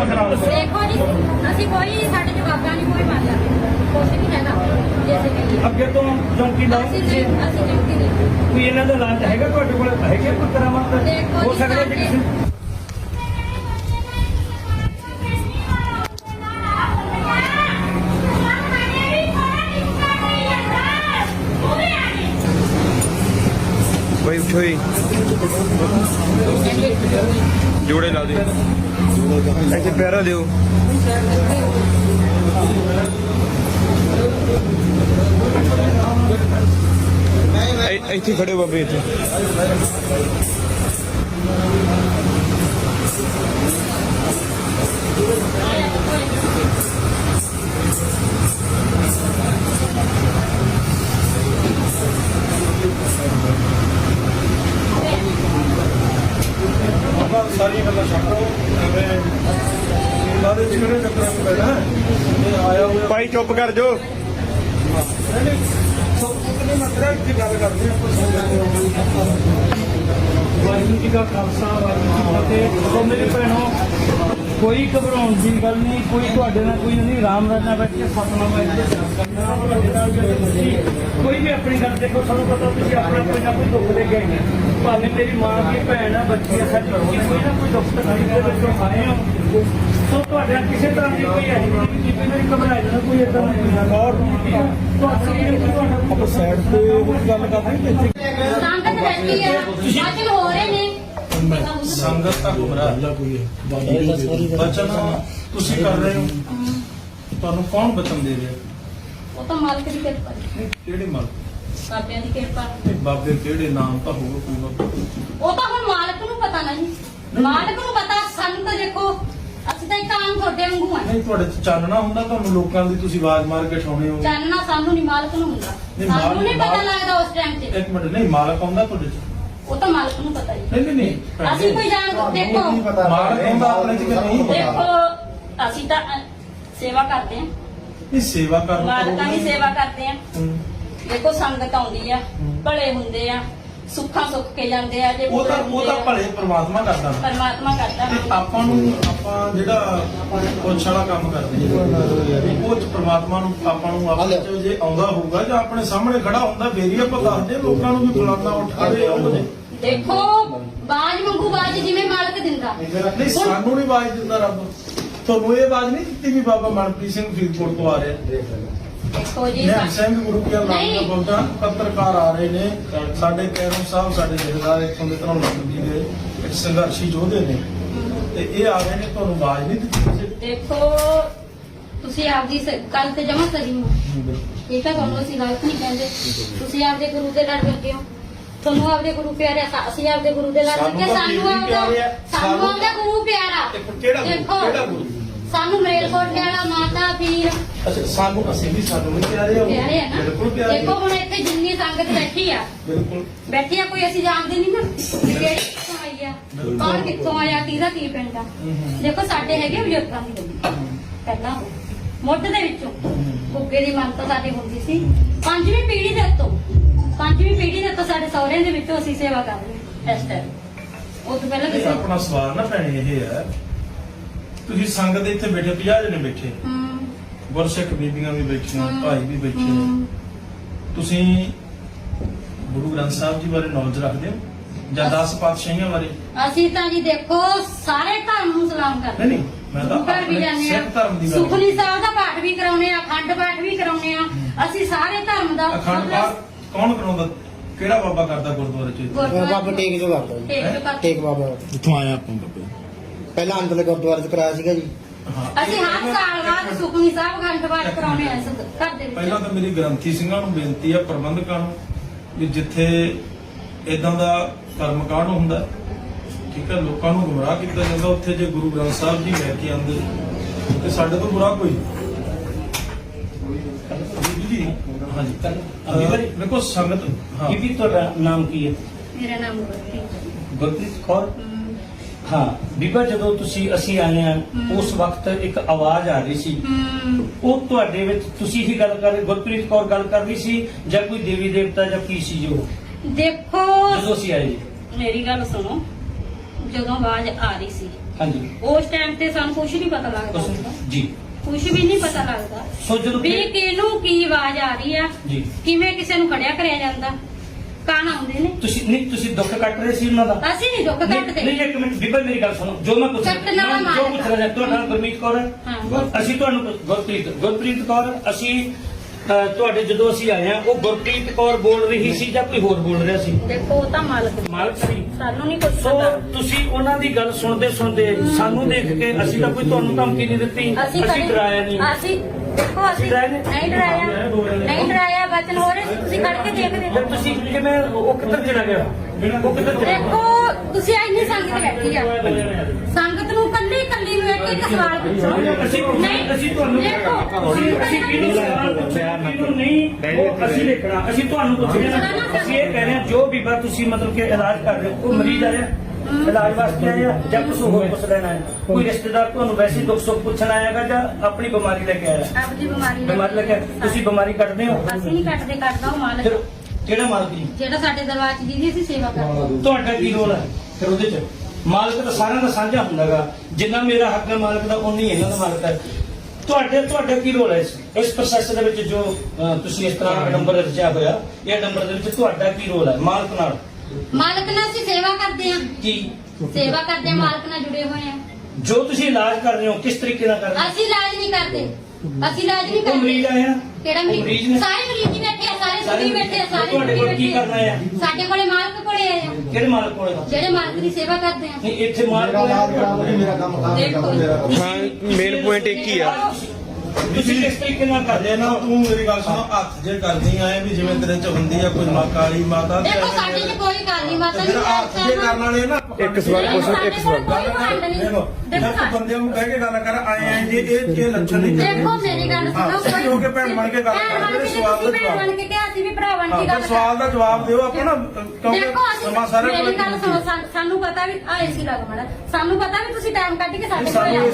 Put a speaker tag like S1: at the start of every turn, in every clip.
S1: ਖਰਾਬ ਕਰੋ।
S2: ਦੇਖੋ ਜੀ ਅਸੀਂ ਕੋਈ ਸਾਡੇ ਜਵਾਬਾਂ ਨਹੀਂ ਕੋਈ ਮੰਨ ਲੈਂਦੇ ਕੁਛ ਨਹੀਂ ਹੈਗਾ ਜੈਸੇ ਕਹੀਏ
S1: ਅੱਗੇ ਤੋਂ ਚੌਂਕੀ ਲਾਓ
S2: ਅਸੀਂ ਚੌਂਕੀ ਨਹੀਂ
S1: ਕੋਈ ਇਹਨਾਂ ਦਾ ਇਲਾਜ ਹੈਗਾ ਤੁਹਾਡੇ ਕੋਲ ਹੈਗੇ ਕੋਈ ਕਰਾਮਤ
S2: ਦੇਖੋ
S1: ਹੋ
S2: ਜੀ,
S1: ਸਕਦਾ ਜੀ ਕਿਸੇ
S3: भाई उठो ही जोड़े ला दे ऐसे पैरा दो ऐसे खड़े बाबे इतने
S4: ਸਾਰੀਆਂ ਗੱਲਾਂ ਛੱਡੋ ਐਵੇਂ ਇਹਨਾਂ ਦੇ ਜਿਹੜੇ ਚੱਕਰਾਂ ਚ ਪੈਣਾ ਇਹ ਆਇਆ ਹੋਇਆ
S3: भाई चुप कर जो
S4: ਕਿਹਨੇ ਮਤਲਬ ਕੀ ਗੱਲ ਕਰਦੇ ਆਪਾਂ
S1: ਵਾਹਿਗੁਰੂ ਜੀ ਦਾ ਖਾਲਸਾ ਵਾਹਿਗੁਰੂ ਜੀ ਕੀ ਫਤਿਹ। ਮੇਰੇ ਭੈਣੋ ਕੋਈ ਘਬਰਾਉਣ ਦੀ ਗੱਲ ਨਹੀਂ ਕੋਈ ਤੁਹਾਡੇ ਨਾਲ ਕੋਈ ਨਹੀਂ ਰਾਮ ਰਾਜ ਨਾਲ ਬੈਠ ਕੇ ਸਤਨਾਮ ਵਾਹਿਗੁਰੂ ਦਾ ਜਾਪ ਕਰਨਾ ਤੁਹਾਡੇ ਨਾਲ ਜਿਹੜੇ ਤੁਸੀਂ ਕੋਈ ਵੀ ਆਪਣੀ ਗੱਲ ਦੇਖੋ ਸਾਨੂੰ ਪਤਾ ਤੁਸੀਂ ਆਪਣਾ ਕੋਈ ਨਾ ਕੋਈ ਦੁੱਖ ਲੈ ਕੇ ਆਏ ਹੋ ਭਾਵੇਂ ਮੇਰੀ ਮਾਂ ਦੀ ਭੈਣ ਆ ਬੱਚੀ ਆ ਸਾਡੀ ਕੋਈ ਨਾ ਕੋਈ ਦੁੱਖ ਤਕਲੀਫ ਦੇ ਵਿੱਚੋਂ ਆਏ ਹੋ ਸੋ ਤੁਹਾਡੇ ਨਾਲ ਕਿਸੇ ਤਰ੍ਹਾਂ ਦੀ ਕੋਈ ਐਸੀ ਨਹੀਂ ਕਿ ਮੇਰੀ ਘਬਰਾ ਜਾਣਾ ਕੋਈ ਇਦਾਂ ਨਹੀਂ ਔਰ
S4: ਆਪਾਂ ਸਾਈਡ ਤੇ ਉਹ ਗੱਲ ਕਰਦੇ ਹਾਂ ਕਿ
S2: ਸੰਗਤ ਬੈਠੀ ਆ ਵਾਚਨ ਹੋ ਰਹੇ ਨੇ
S4: ਸੰਗਤ ਦਾ ਗੁਮਰਾਹ ਬਚਨ ਤੁਸੀਂ ਕਰ ਰਹੇ ਹੋ ਤੁਹਾਨੂੰ ਕੌਣ ਬਚਨ ਦੇ ਰਿਹਾ
S2: ਉਹ ਤਾਂ ਮਾਲਕ ਦੀ ਕਿਰਪਾ ਹੈ
S4: ਕਿਹੜੇ ਮਲ
S2: ਬਾਬਿਆਂ ਦੀ ਕਿਰਪਾ
S4: ਬਾਬੇ ਕਿਹੜੇ ਨਾਮ ਤਾਂ ਹੋਊਗਾ ਕੋਈ
S2: ਉਹ ਤਾਂ ਹੁਣ ਮਾਲਕ ਨੂੰ ਪਤਾ ਨਹੀਂ ਮਾਲਕ ਨੂੰ ਪਤਾ ਸਾਨੂੰ ਤਾਂ ਦੇਖੋ ਅਸੀਂ ਤਾਂ ਇੱਕ ਆਮ ਤੁਹਾਡੇ ਵਾਂਗੂ ਆ
S4: ਨਹੀਂ ਤੁਹਾਡੇ ਚ ਚਾਨਣਾ ਹੁੰਦਾ ਤੁਹਾਨੂੰ ਲੋਕਾਂ ਦੀ ਤੁਸੀਂ ਆਵਾਜ਼ ਮਾਰ ਕੇ ਠਾਉਣੇ ਹੋ
S2: ਜਾਨਣਾ ਸਾਨੂੰ ਨਹੀਂ ਮਾਲਕ ਨੂੰ ਹੁੰਦਾ ਸਾਨੂੰ ਨਹੀਂ ਪਤਾ ਲੱਗਦਾ ਉਸ ਟਾਈਮ ਤੇ
S4: ਇੱਕ ਮਿੰਟ ਨਹੀਂ ਮਾਲਕ ਆਉਂਦਾ ਤੁਹਾਡੇ ਚ
S2: ਉਹ ਤਾਂ ਮਾਲਕ ਨੂੰ ਪਤਾ ਹੀ
S4: ਨਹੀਂ
S2: ਅਸੀਂ ਕੋਈ ਜਾਣ ਦੇਖੋ
S4: ਮਾਲਕ ਆਉਂਦਾ ਆਪਣੇ ਚ ਕਿ ਨਹੀਂ
S2: ਦੇਖੋ ਅਸੀਂ ਤਾਂ ਸੇਵਾ ਕਰਦੇ ਹਾਂ
S4: ਇਹ ਸੇਵਾ ਕਰਨ
S2: ਮਾਲਕਾਂ ਦੀ ਸੇਵਾ ਕਰਦੇ ਹਾਂ ਦੇਖੋ ਸੰਗਤ ਆਉਂਦੀ ਆ ਭਲੇ ਹੁੰਦੇ ਆ ਸੁੱਖਾਂ ਸੁੱਖ ਕੇ ਜਾਂਦੇ ਆ ਜੇ
S4: ਉਹ ਤਾਂ ਭਲੇ ਪ੍ਰਮਾਤਮਾ ਕਰਦਾ ਨਾ।
S2: ਪਰਮਾਤਮਾ ਕਰਦਾ
S4: ਤੇ ਆਪਾਂ ਜਿਹੜਾ ਪੁੱਛ ਵਾਲਾ ਕੰਮ ਕਰਦੇ ਹਾਂ ਉਹ ਚ ਪ੍ਰਮਾਤਮਾ ਨੂੰ ਆਪਾਂ ਨੂੰ ਆਪਣੇ ਚ ਜੇ ਆਉਂਦਾ ਹੋਊਗਾ ਜਾਂ ਆਪਣੇ ਸਾਹਮਣੇ ਖੜਾ ਹੁੰਦਾ ਫੇਰ ਹੀ ਆਪਾਂ ਦੱਸਦੇ ਹਾਂ ਲੋਕਾਂ ਨੂੰ ਵੀ ਫਲਾਣਾ ਉੱਠ ਖੜੇ ਆਉਂਦੇ
S2: ਦੇਖੋ ਬਾਜ ਮੰਗੂ ਬਾਜ ਜਿਵੇਂ ਮਾਲਕ ਦਿੰਦਾ
S4: ਨਹੀਂ ਸਾਨੂੰ ਨਹੀਂ ਆਵਾਜ਼ ਦਿੰਦਾ ਰੱਬ ਤੁਹਾਨੂੰ ਇਹ ਆਵਾਜ਼ ਨਹੀਂ ਦਿੱਤੀ ਵੀ ਬਾਬਾ ਮਨਪ੍ਰੀਤ ਸਿੰਘ ਫਰੀਦਕੋਟ ਤੋਂ ਆ ਰਿਹਾ
S2: ਦੇਖੋ ਜੀ
S4: ਨਿਹੰਗ ਸਿੰਘ ਗੁਰੂ ਕੀ ਨਾਮ ਦਾ ਬੋਲਦਾ ਪੱਤਰਕਾਰ ਆ ਰਹੇ ਨੇ ਸਾਡੇ ਕੈਰੋਂ ਸਾਹਿਬ ਸਾਡੇ ਜਥੇਦਾਰ ਇੱਥੋਂ ਦੇ ਤਰ੍ਹਾਂ ਲੱਗਦੀ ਦੇ ਇੱਕ ਸੰਘਰਸ਼ੀ ਯੋਧੇ ਨੇ ਤੇ ਇਹ ਆ ਰਹੇ ਨੇ ਤੁਹਾਨੂੰ ਆਵਾਜ਼ ਨਹੀਂ ਦਿੱਤੀ ਕਿਸੇ
S2: ਦੇਖੋ ਤੁਸੀਂ ਆਪਦੀ ਗੱਲ ਤੇ ਜਮਾ ਸਹੀ ਹੋ ਠੀਕ ਹੈ ਤੁਹਾਨੂੰ ਅਸੀਂ ਗਲਤ ਨਹੀਂ ਕਹਿੰਦੇ ਤੁਸੀਂ ਆਪਦੇ ਗੁਰੂ ਦੇ ਲੜ ਲੱਗੇ ਹੋ ਤੁਹਾਨੂੰ ਆਪਦੇ ਗੁਰੂ ਪਿਆਰੇ ਅਸੀਂ ਆਪਦੇ ਗੁਰੂ ਦੇ ਲੜ ਲੱਗੇ ਸਾਨੂੰ ਆਪਦਾ ਗੁਰੂ ਪਿਆਰਾ
S4: ਕਿਹੜਾ ਗੁਰੂ
S2: ਸਾਨੂੰ ਮਰੇਲਕੋਟ ਵਾਲਾ ਮਾਤਾ ਪੀਰ
S4: ਅੱਛਾ ਸਾਨੂੰ ਅਸੀਂ ਵੀ ਸਾਨੂੰ ਵੀ ਪਿਆਰੇ ਆ
S2: ਪਿਆਰੇ ਆ ਨਾ
S4: ਬਿਲਕੁਲ ਪਿਆਰੇ
S2: ਦੇਖੋ ਹੁਣ ਇੱਥੇ ਜਿੰਨੀ ਸੰਗਤ ਬੈਠੀ ਆ
S4: ਬਿਲਕੁਲ
S2: ਬੈਠੀ ਆ ਕੋਈ ਅਸੀਂ ਜਾਣਦੇ ਨਹੀਂ ਨਾ ਵੀ ਕਿਹੜੀ ਕਿੱਥੋਂ ਆਈ ਆ ਕੌਣ ਕਿੱਥੋਂ ਆਇਆ ਕਿਹਦਾ ਕੀ ਪਿੰਡ ਆ ਦੇਖੋ ਸਾਡੇ ਹੈਗੇ ਬਜ਼ੁਰਗਾਂ ਦੀ ਗੱਡੀ ਪਹਿਲਾਂ ਮੁੱਢ ਦੇ ਵਿੱਚੋਂ ਗੁੱਗੇ ਦੀ ਮੰਨਤ ਸਾਡੀ ਹੁੰਦੀ ਸੀ ਪੰਜਵੀਂ ਪੀੜ੍ਹੀ ਦੇ ਉੱਤੋਂ ਸਾਡੇ ਸਹੁਰਿਆਂ ਦੇ ਵਿੱਚੋਂ ਅਸੀਂ ਸੇਵਾ ਕਰ ਰਹੇ ਇਸ ਟਾਈਮ ਉਹ ਤੋਂ ਪਹਿਲਾਂ ਕਿਸੇ
S4: ਆਪਣਾ ਸਵਾਲ ਨਾ ਭੈਣੇ ਇਹ ਹੈ ਤੁਸੀਂ ਸੰਗਤ ਇੱਥੇ ਬੈਠੇ 50 ਜਣੇ ਬੈਠੇ ਗੁਰਸਿੱਖ ਬੀਬੀਆਂ ਵੀ ਬੈਠੀਆਂ ਭਾਈ ਵੀ ਬੈਠੇ ਤੁਸੀਂ ਗੁਰੂ ਗ੍ਰੰਥ ਸਾਹਿਬ ਜੀ ਬਾਰੇ ਨੌਲੇਜ ਰੱਖਦੇ ਹੋ ਜਾਂ 10 ਪਾਤਸ਼ਾਹੀਆਂ ਬਾਰੇ
S2: ਅਸੀਂ ਤਾਂ ਜੀ ਦੇਖੋ ਸਾਰੇ ਧਰਮ ਨੂੰ ਸਲਾਮ ਕਰਦੇ
S4: ਨਹੀਂ ਮੈਂ ਤਾਂ
S2: ਘਰ ਵੀ ਜਾਂਦੇ ਆ
S4: ਸਿੱਖ ਧਰਮ ਦੀ ਗੱਲ
S2: ਸੁਖਨੀ ਸਾਹਿਬ ਦਾ ਪਾਠ ਵੀ ਕਰਾਉਨੇ ਆ ਅਖੰਡ ਪਾਠ ਵੀ ਕਰਾਉਨੇ ਆ ਅਸੀਂ ਸਾਰੇ ਧਰਮ ਦਾ
S4: ਅਖੰਡ ਪਾਠ ਕੌਣ ਕਰਾਉਂਦਾ ਕਿਹੜਾ ਬਾਬਾ ਕਰਦਾ ਗੁਰਦੁਆਰੇ ਚ
S5: ਬਾਬਾ ਟੇਕ ਜੋ ਕਰਦਾ ਟੇਕ ਬਾਬਾ
S3: ਕਿੱਥੋਂ ਆਇਆ ਆਪਾਂ ਬਾਬੇ
S5: ਪਹਿਲਾਂ ਅੰਦਰ ਗੁਰਦੁਆਰੇ ਚ ਕਰਾਇਆ ਸੀਗਾ ਜੀ
S2: ਅਸੀਂ ਹਰ ਸਾਲ ਬਾਅਦ ਸੁਖਨੀ ਸਾਹਿਬ ਅਖੰਡ ਪਾਠ ਕਰਾਉਨੇ ਆ ਘਰ ਦੇ
S4: ਪਹਿਲਾਂ
S2: ਵਿੱਚ
S4: ਤਾਂ ਮੇਰੀ ਗ੍ਰੰਥੀ ਸਿੰਘਾਂ ਨੂੰ ਬੇਨਤੀ ਆ ਪ੍ਰਬੰਧਕਾਂ ਨੂੰ ਵੀ ਜਿੱਥੇ ਇਦਾਂ ਦਾ ਕਰਮਕਾਂਡ ਹੁੰਦਾ ਠੀਕ ਹੈ ਲੋਕਾਂ ਨੂੰ ਗੁੰਮਰਾਹ ਕੀਤਾ ਜਾਂਦਾ ਉੱਥੇ ਜੇ ਗੁਰੂ ਗ੍ਰੰਥ ਸਾਹਿਬ ਜੀ ਲੈ ਕੇ ਆਉਂਦੇ ਤੇ ਸਾਡੇ ਤੋਂ ਬੁਰਾ ਕੋਈ ਜੀ ਹਾਂਜੀ ਦੇਖੋ ਸੰਗਤ ਹਾਂ
S1: ਕੀ ਤੁਹਾਡਾ ਨਾਮ ਕੀ ਹੈ
S2: ਮੇਰਾ ਨਾਮ ਗੁਰਪ੍ਰੀਤ
S1: ਗੁਰਪ੍ਰੀਤ ਕੌਰ ਹਾਂ ਬੀਬਾ ਜਦੋਂ ਅਸੀਂ ਆਏ ਆ ਉਸ ਵਕਤ ਇੱਕ ਆਵਾਜ਼ ਆ ਰਹੀ ਸੀ ਉਹ ਤੁਹਾਡੇ ਵਿੱਚ ਤੁਸੀਂ ਹੀ ਗੱਲ ਕਰ ਰਹੇ ਗੁਰਪ੍ਰੀਤ ਕੌਰ ਗੱਲ ਕਰ ਰਹੀ ਸੀ ਜਾਂ ਕੋਈ ਦੇਵੀ ਦੇਵਤਾ ਜਾਂ ਕੀ ਸੀ ਜੋ
S2: ਦੇਖੋ
S1: ਜਦੋਂ ਅਸੀਂ ਆਏ
S2: ਮੇਰੀ ਗੱਲ ਸੁਣੋ ਜਦੋਂ ਆਵਾਜ਼ ਆ ਰਹੀ ਸੀ
S1: ਹਾਂਜੀ
S2: ਉਸ ਟਾਈਮ ਤੇ ਸਾਨੂੰ ਕੁਝ ਨਹੀਂ ਪਤਾ ਲੱਗਦਾ ਹੁੰਦਾ।
S1: ਜੀ
S2: ਕੁਝ ਵੀ ਨਹੀਂ ਪਤਾ ਲੱਗਦਾ
S1: ਸੋ ਜਦੋਂ
S2: ਵੀ ਕਿਹਨੂੰ ਕੀ ਆਵਾਜ਼ ਆ ਰਹੀ ਆ,
S1: ਜੀ
S2: ਕਿਵੇਂ ਕਿਸੇ ਨੂੰ ਖੜਿਆ ਕਰਿਆ ਜਾਂਦਾ। ਕਾਣ ਆਉਂਦੇ ਨੇ,
S1: ਤੁਸੀਂ ਦੁੱਖ ਕੱਟ ਰਹੇ ਸੀ ਉਹਨਾਂ ਦਾ?
S2: ਅਸੀਂ ਨਹੀਂ ਦੁੱਖ ਕੱਟਦੇ।
S1: ਨਹੀਂ ਇੱਕ ਮਿੰਟ ਬੀਬਾ ਮੇਰੀ ਗੱਲ ਸੁਣੋ। ਜੋ ਮੈਂ ਪੁੱਛ
S2: ਕੱਟਣ ਵਾਲਾ ਮਾਲਕ।
S1: ਜੋ ਪੁੱਛ ਰਿਹਾ ਤੁਹਾਡਾ ਨਾਮ ਗੁਰਮੀਤ ਕੌਰ ਹੈ।
S2: ਹਾਂ।
S1: ਅਸੀਂ ਤੁਹਾਨੂੰ ਗੁਰਪ੍ਰੀਤ ਕੌਰ ਅਸੀਂ ਤੁਹਾਡੇ ਜਦੋਂ ਅਸੀਂ ਆਏ ਆ ਉਹ ਗੁਰਪ੍ਰੀਤ ਕੌਰ ਬੋਲ ਰਹੀ ਸੀ ਜਾਂ ਕੋਈ ਹੋਰ ਬੋਲ ਰਿਹਾ ਸੀ?
S2: ਦੇਖੋ ਉਹ ਤਾਂ ਮਾਲਕ ਨੇ।
S1: ਮਾਲਕ ਸੀ।
S2: ਸਾਨੂੰ ਨਹੀਂ ਕੁਝ
S1: ਸੋ
S2: ਪਤਾ।
S1: ਤੁਸੀਂ ਉਹਨਾਂ ਦੀ ਗੱਲ ਸੁਣਦੇ ਸਾਨੂੰ ਦੇਖ ਕੇ ਅਸੀਂ ਤਾਂ ਕੋਈ ਤੁਹਾਨੂੰ ਧਮਕੀ ਨਹੀਂ ਦਿੱਤੀ, ਅਸੀਂ
S2: ਕਦੇ-
S1: ਡਰਾਇਆ ਨਹੀਂ।
S2: ਅਸੀਂ ਦੇਖੋ ਅਸੀਂ
S1: ਡਰਾਏ ਨੇ?
S2: ਨਹੀਂ ਡਰਾਇਆ ਬਚਨ ਹੋ ਰਹੇ ਸੀ, ਤੁਸੀਂ ਖੜ ਕੇ ਦੇਖਦੇ
S1: ਫਿਰ ਤੁਸੀਂ ਕਿਵੇਂ ਉਹ ਕਿੱਧਰ ਚਲਾ ਗਿਆ? ਉਹ ਕਿੱਧਰ ਚਲਾ
S2: ਦੇਖੋ ਤੁਸੀਂ ਇੰਨੀ ਸੰਗਤ ਬੈਠੀ ਆ, ਸੰਗਤ ਨੂੰ ਕੱਲੀ ਨੂੰ ਇੱਕ ਸਵਾਲ ਪੁੱਛੋ।
S1: ਅਸੀਂ ਤੁਹਾਨੂੰ
S2: ਦੇਖੋ
S1: ਅਸੀਂ ਕਿਹਨੂੰ ਸਵਾਲ ਪੁੱਛਿਆ ਕਿਹਨੂੰ ਨਹੀਂ ਉਹ ਅਸੀਂ ਦੇਖਣਾ। ਅਸੀਂ ਤੁਹਾਨੂੰ ਪੁੱਛ ਰਹੇ ਹਾਂ। ਅਸੀਂ ਇਹ ਕਹਿ ਰਹੇ ਹਾਂ ਜੋ ਬੀਬਾ ਤੁਸੀਂ ਮਤਲਬ ਕਿ ਇਲਾਜ ਕਰ ਰਹੇ ਹੋ ਉਹ ਮਰੀਜ਼ ਆਇਆ ਇਲਾਜ ਵਾਸਤੇ ਆਇਆ ਜਾਂ ਕੁਝ ਹੋਰ ਪੁੱਛ ਲੈਣਾ ਹੈ? ਕੋਈ ਰਿਸ਼ਤੇਦਾਰ ਤੁਹਾਨੂੰ ਵੈਸੇ ਦੁੱਖ ਸੁੱਖ ਪੁੱਛਣ ਆਏਗਾ ਜਾਂ ਆਪਣੀ ਬਿਮਾਰੀ ਲੈ ਕੇ ਆਇਆ?
S2: ਆਪਣੀ ਬਿਮਾਰੀ
S1: ਬਿਮਾਰੀ ਲੈ ਕੇ ਤੁਸੀਂ ਬਿਮਾਰੀ ਕੱਢਦੇ ਹੋ?
S2: ਅਸੀਂ ਨਹੀਂ ਕੱਟਦੇ, ਕੱਟਦਾ ਉਹ ਮਾਲਕ
S1: ਫਿਰ ਕਿਹੜਾ ਮਾਲਕ ਜੀ?
S2: ਜਿਹੜਾ ਸਾਡੇ ਦਰਬਾਰ 'ਚ ਜਿਹਦੀ ਅਸੀਂ ਸੇਵਾ ਕਰਦੇ ਹਾਂ।
S1: ਤੁਹਾਡਾ ਕੀ ਰੋਲ ਹੈ ਫਿਰ ਉਹਦੇ ਚ? ਮਾਲਕ ਤਾਂ ਸਾਰਿਆਂ ਦਾ ਸਾਂਝਾ ਹੁੰਦਾਗਾ। ਜਿੰਨਾ ਮੇਰਾ ਹੱਕ ਹੈ ਮਾਲਕ ਦਾ ਉਨੀ ਇਹਨਾਂ ਦਾ ਮਾਲਕ ਹੈ। ਤੁਹਾਡਾ ਕੀ ਰੋਲ ਹੈ ਇਸ ਪ੍ਰੋਸੈਸ ਦੇ ਵਿੱਚ ਜੋ ਤੁਸੀਂ ਇਸ ਤਰ੍ਹਾਂ ਨੰਬਰ ਰਚਿਆ ਹੋਇਆ ਇਹ ਨੰਬਰ ਦੇ ਵਿੱਚ ਤੁਹਾਡਾ ਕੀ ਰੋਲ ਹੈ ਮਾਲਕ ਨਾਲ?
S2: ਮਾਲਕ ਨਾਲ ਅਸੀਂ ਸੇਵਾ ਕਰਦੇ ਹਾਂ।
S1: ਕੀ
S2: ਸੇਵਾ ਕਰਦੇ ਹਾਂ, ਮਾਲਕ ਨਾਲ ਜੁੜੇ ਹੋਏ ਹਾਂ।
S1: ਜੋ ਤੁਸੀਂ ਇਲਾਜ ਕਰ ਰਹੇ ਹੋ ਕਿਸ ਤਰੀਕੇ ਨਾਲ ਕਰ ਰਹੇ ਹੋ?
S2: ਅਸੀਂ ਇਲਾਜ ਨਹੀਂ ਕਰਦੇ, ਅਸੀਂ ਇਲਾਜ ਨਹੀਂ
S1: ਉਹ ਮਰੀਜ਼
S2: ਕਰਦੇ।
S1: ਆਇਆ
S2: ਕਿਹੜਾ
S1: ਉਹ ਮਰੀਜ਼
S2: ਮਰੀਜ਼?
S1: ਨੇ?
S2: ਸਾਰੇ ਮਰੀਜ਼ ਹੀ ਬੈਠੇ ਆ, ਸਾਰੇ ਸੁਖੀ ਬੈਠੇ ਆ, ਸਾਰੇ
S1: ਤੁਹਾਡੇ ਕੋਲ
S2: ਸੁਖੀ
S1: ਕੀ ਕਰਨਾ
S2: ਬੈਠੇ
S1: ਹੈ?
S2: ਆ। ਸਾਡੇ ਕੋਲੇ ਮਾਲਕ ਕੋਲੇ ਆਏ ਆ,
S1: ਕਿਹੜੇ ਮਾਲਕ ਕੋਲ?
S2: ਜਿਹੜੇ ਮਾਲਕ ਦੀ ਸੇਵਾ ਕਰਦੇ ਆ।
S1: ਨਹੀਂ ਇੱਥੇ ਮਾਲਕ ਕੋਲ
S5: ਮੇਰਾ ਕੰਮ
S2: ਦੇਖੋ
S3: ਹਾਂ ਮੇਨ ਪੁਆਇੰਟ ਇੱਕ ਹੀ ਆ।
S1: ਤੁਸੀਂ ਕਿਸ ਤਰੀਕੇ ਨਾਲ ਕਰਦੇ
S4: ਜੇ ਨਾ ਤੂੰ ਮੇਰੀ ਗੱਲ ਸੁਣੋ ਹੱਥ ਜੇ ਕਰਦੀ ਆਏ ਵੀ ਜਿਵੇਂ ਤੇਰੇ ਚ ਹੁੰਦੀ ਆ ਕੋਈ ਕਾਲੀ ਮਾਤਾ ਤੇ
S2: ਦੇਖੋ ਸਾਡੇ 'ਚ ਕੋਈ ਕਾਲੀ ਮਾਤਾ
S4: ਫਿਰ
S2: ਨਹੀਂ
S4: ਹੱਥ ਜੇ ਕਰਨ ਵਾਲੇ ਨਾ
S3: ਇੱਕ ਸਵਾਲ ਪੁੱਛੋ, ਇੱਕ ਸਵਾਲ।
S4: ਗੱਲ ਕਰ ਦੇਖੋ ਜੇ ਬੰਦੇ ਨੂੰ ਕਹਿ ਕੇ ਗੱਲ ਕਰ ਆਏ ਜੇ ਇਹ ਲੱਛਣ ਨਹੀਂ
S2: ਦੇਖੋ ਮੇਰੀ ਗੱਲ ਸੁਣੋ।
S4: ਹਾਂ, ਸਹੀ ਹੋ ਕੇ ਭੈਣ ਬਣ ਕੇ ਗੱਲ
S2: ਭੈਣ
S4: ਕਰ,
S2: ਬਣ ਕੇ
S4: ਜਿਹੜੇ ਸਵਾਲ ਦਾ
S2: ਤੁਸੀਂ ਭੈਣ
S4: ਜਵਾਬ।
S2: ਬਣ ਕੇ ਕਿਹਾ ਸੀ ਵੀ ਭਰਾ ਬਣ ਕੇ
S4: ਹਾਂ,
S2: ਗੱਲ
S4: ਫਿਰ ਸਵਾਲ ਦਾ ਜਵਾਬ ਦਿਓ ਆਪਾਂ ਨਾ ਕਿਉਂਕਿ
S2: ਦੇਖੋ ਅਸੀਂ
S4: ਸਮਾਂ ਸਾਰੇ
S2: ਮੇਰੀ ਗੱਲ ਸੁਣੋ,
S4: ਕੋਲ
S2: ਸਾਨੂੰ ਪਤਾ ਵੀ ਆ ਏਸੀ ਲੱਗ ਮਾੜਾ, ਸਾਨੂੰ ਪਤਾ ਵੀ ਤੁਸੀਂ ਟਾਈਮ ਕੱਢ ਕੇ ਸਾਡੇ ਕੋਲ
S4: ਸਾਨੂੰ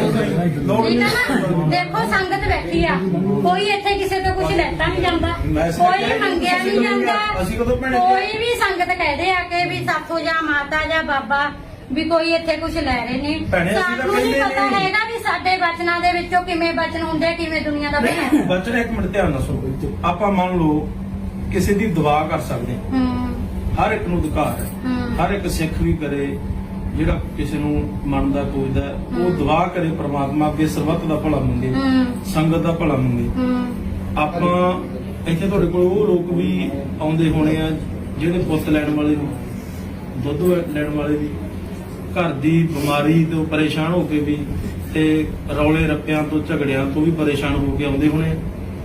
S2: ਆਏ
S4: ਲੋੜ
S2: ਠੀਕ
S4: ਨਹੀਂ
S2: ਹੈ ਨਾ। ਦੇਖੋ ਸੰਗਤ ਬੈਠੀ ਆ, ਕੋਈ ਇੱਥੇ ਕਿਸੇ ਤੋਂ ਕੁਝ ਲੈਤਾ ਨਹੀਂ ਜਾਂਦਾ,
S4: ਮੈਂ ਇਸ
S2: ਕੋਈ
S4: ਕਰਕੇ
S2: ਮੰਗਿਆ
S4: ਅਸੀਂ
S2: ਨਹੀਂ
S4: ਕਦੋਂ
S2: ਜਾਂਦਾ।
S4: ਅਸੀਂ ਕਦੋਂ ਭੈਣੇ
S2: ਕੋਈ ਵੀ ਸੰਗਤ ਕਹਦੇ ਆ ਕਿ ਵੀ ਸਾਥੋਂ ਜਾਂ ਮਾਤਾ ਜਾਂ ਬਾਬਾ ਵੀ ਕੋਈ ਇੱਥੇ ਕੁਝ ਲੈ ਰਹੇ ਨੇ।
S4: ਭੈਣੇ, ਅਸੀਂ ਤਾਂ
S2: ਸਾਨੂੰ ਨਹੀਂ
S4: ਕਹਿੰਦੇ
S2: ਪਤਾ
S4: ਨਹੀਂ।
S2: ਹੈਗਾ ਵੀ ਸਾਡੇ ਬਚਨਾਂ ਦੇ ਵਿੱਚੋਂ ਕਿਵੇਂ ਬਚਨ ਹੁੰਦੇ, ਕਿਵੇਂ ਦੁਨੀਆ ਦਾ ਬਣਿਆ।
S4: ਨਹੀਂ ਬੱਚੇ ਇੱਕ ਮਿੰਟ ਧਿਆਨ ਨਾਲ ਸੁਣੋ। ਆਪਾਂ ਮੰਨ ਲਓ ਕਿਸੇ ਦੀ ਦੁਆ ਕਰ ਸਕਦੇ ਹਾਂ,
S2: ਹੂੰ
S4: ਹਰ ਇੱਕ ਨੂੰ ਅਧਿਕਾਰ ਹੈ।
S2: ਹੂੰ
S4: ਹਰ ਇੱਕ ਸਿੱਖ ਵੀ ਕਰੇ ਜਿਹੜਾ ਕਿਸੇ ਨੂੰ ਮੰਨਦਾ ਪੂਜਦਾ ਹੈ, ਉਹ ਦੁਆ ਕਰੇ ਪ੍ਰਮਾਤਮਾ ਅੱਗੇ ਸਰਬੱਤ ਦਾ ਭਲਾ ਮੰਗੇ,
S2: ਹੂੰ
S4: ਸੰਗਤ ਦਾ ਭਲਾ ਮੰਗੇ।
S2: ਹੂੰ
S4: ਆਪਾਂ ਇੱਥੇ ਤੁਹਾਡੇ ਕੋਲ ਉਹ ਲੋਕ ਵੀ ਆਉਂਦੇ ਹੋਣੇ ਆ ਜਿਹੜੇ ਪੁੱਤ ਲੈਣ ਵਾਲੇ ਨੂੰ, ਦੁੱਧ ਲੈਣ ਵਾਲੇ ਵੀ, ਘਰ ਦੀ ਬਿਮਾਰੀ ਤੋਂ ਪਰੇਸ਼ਾਨ ਹੋ ਕੇ ਵੀ ਤੇ ਰੌਲੇ ਰੱਪਿਆਂ ਤੋਂ ਝਗੜਿਆਂ ਤੋਂ ਵੀ ਪਰੇਸ਼ਾਨ ਹੋ ਕੇ ਆਉਂਦੇ ਹੋਣੇ।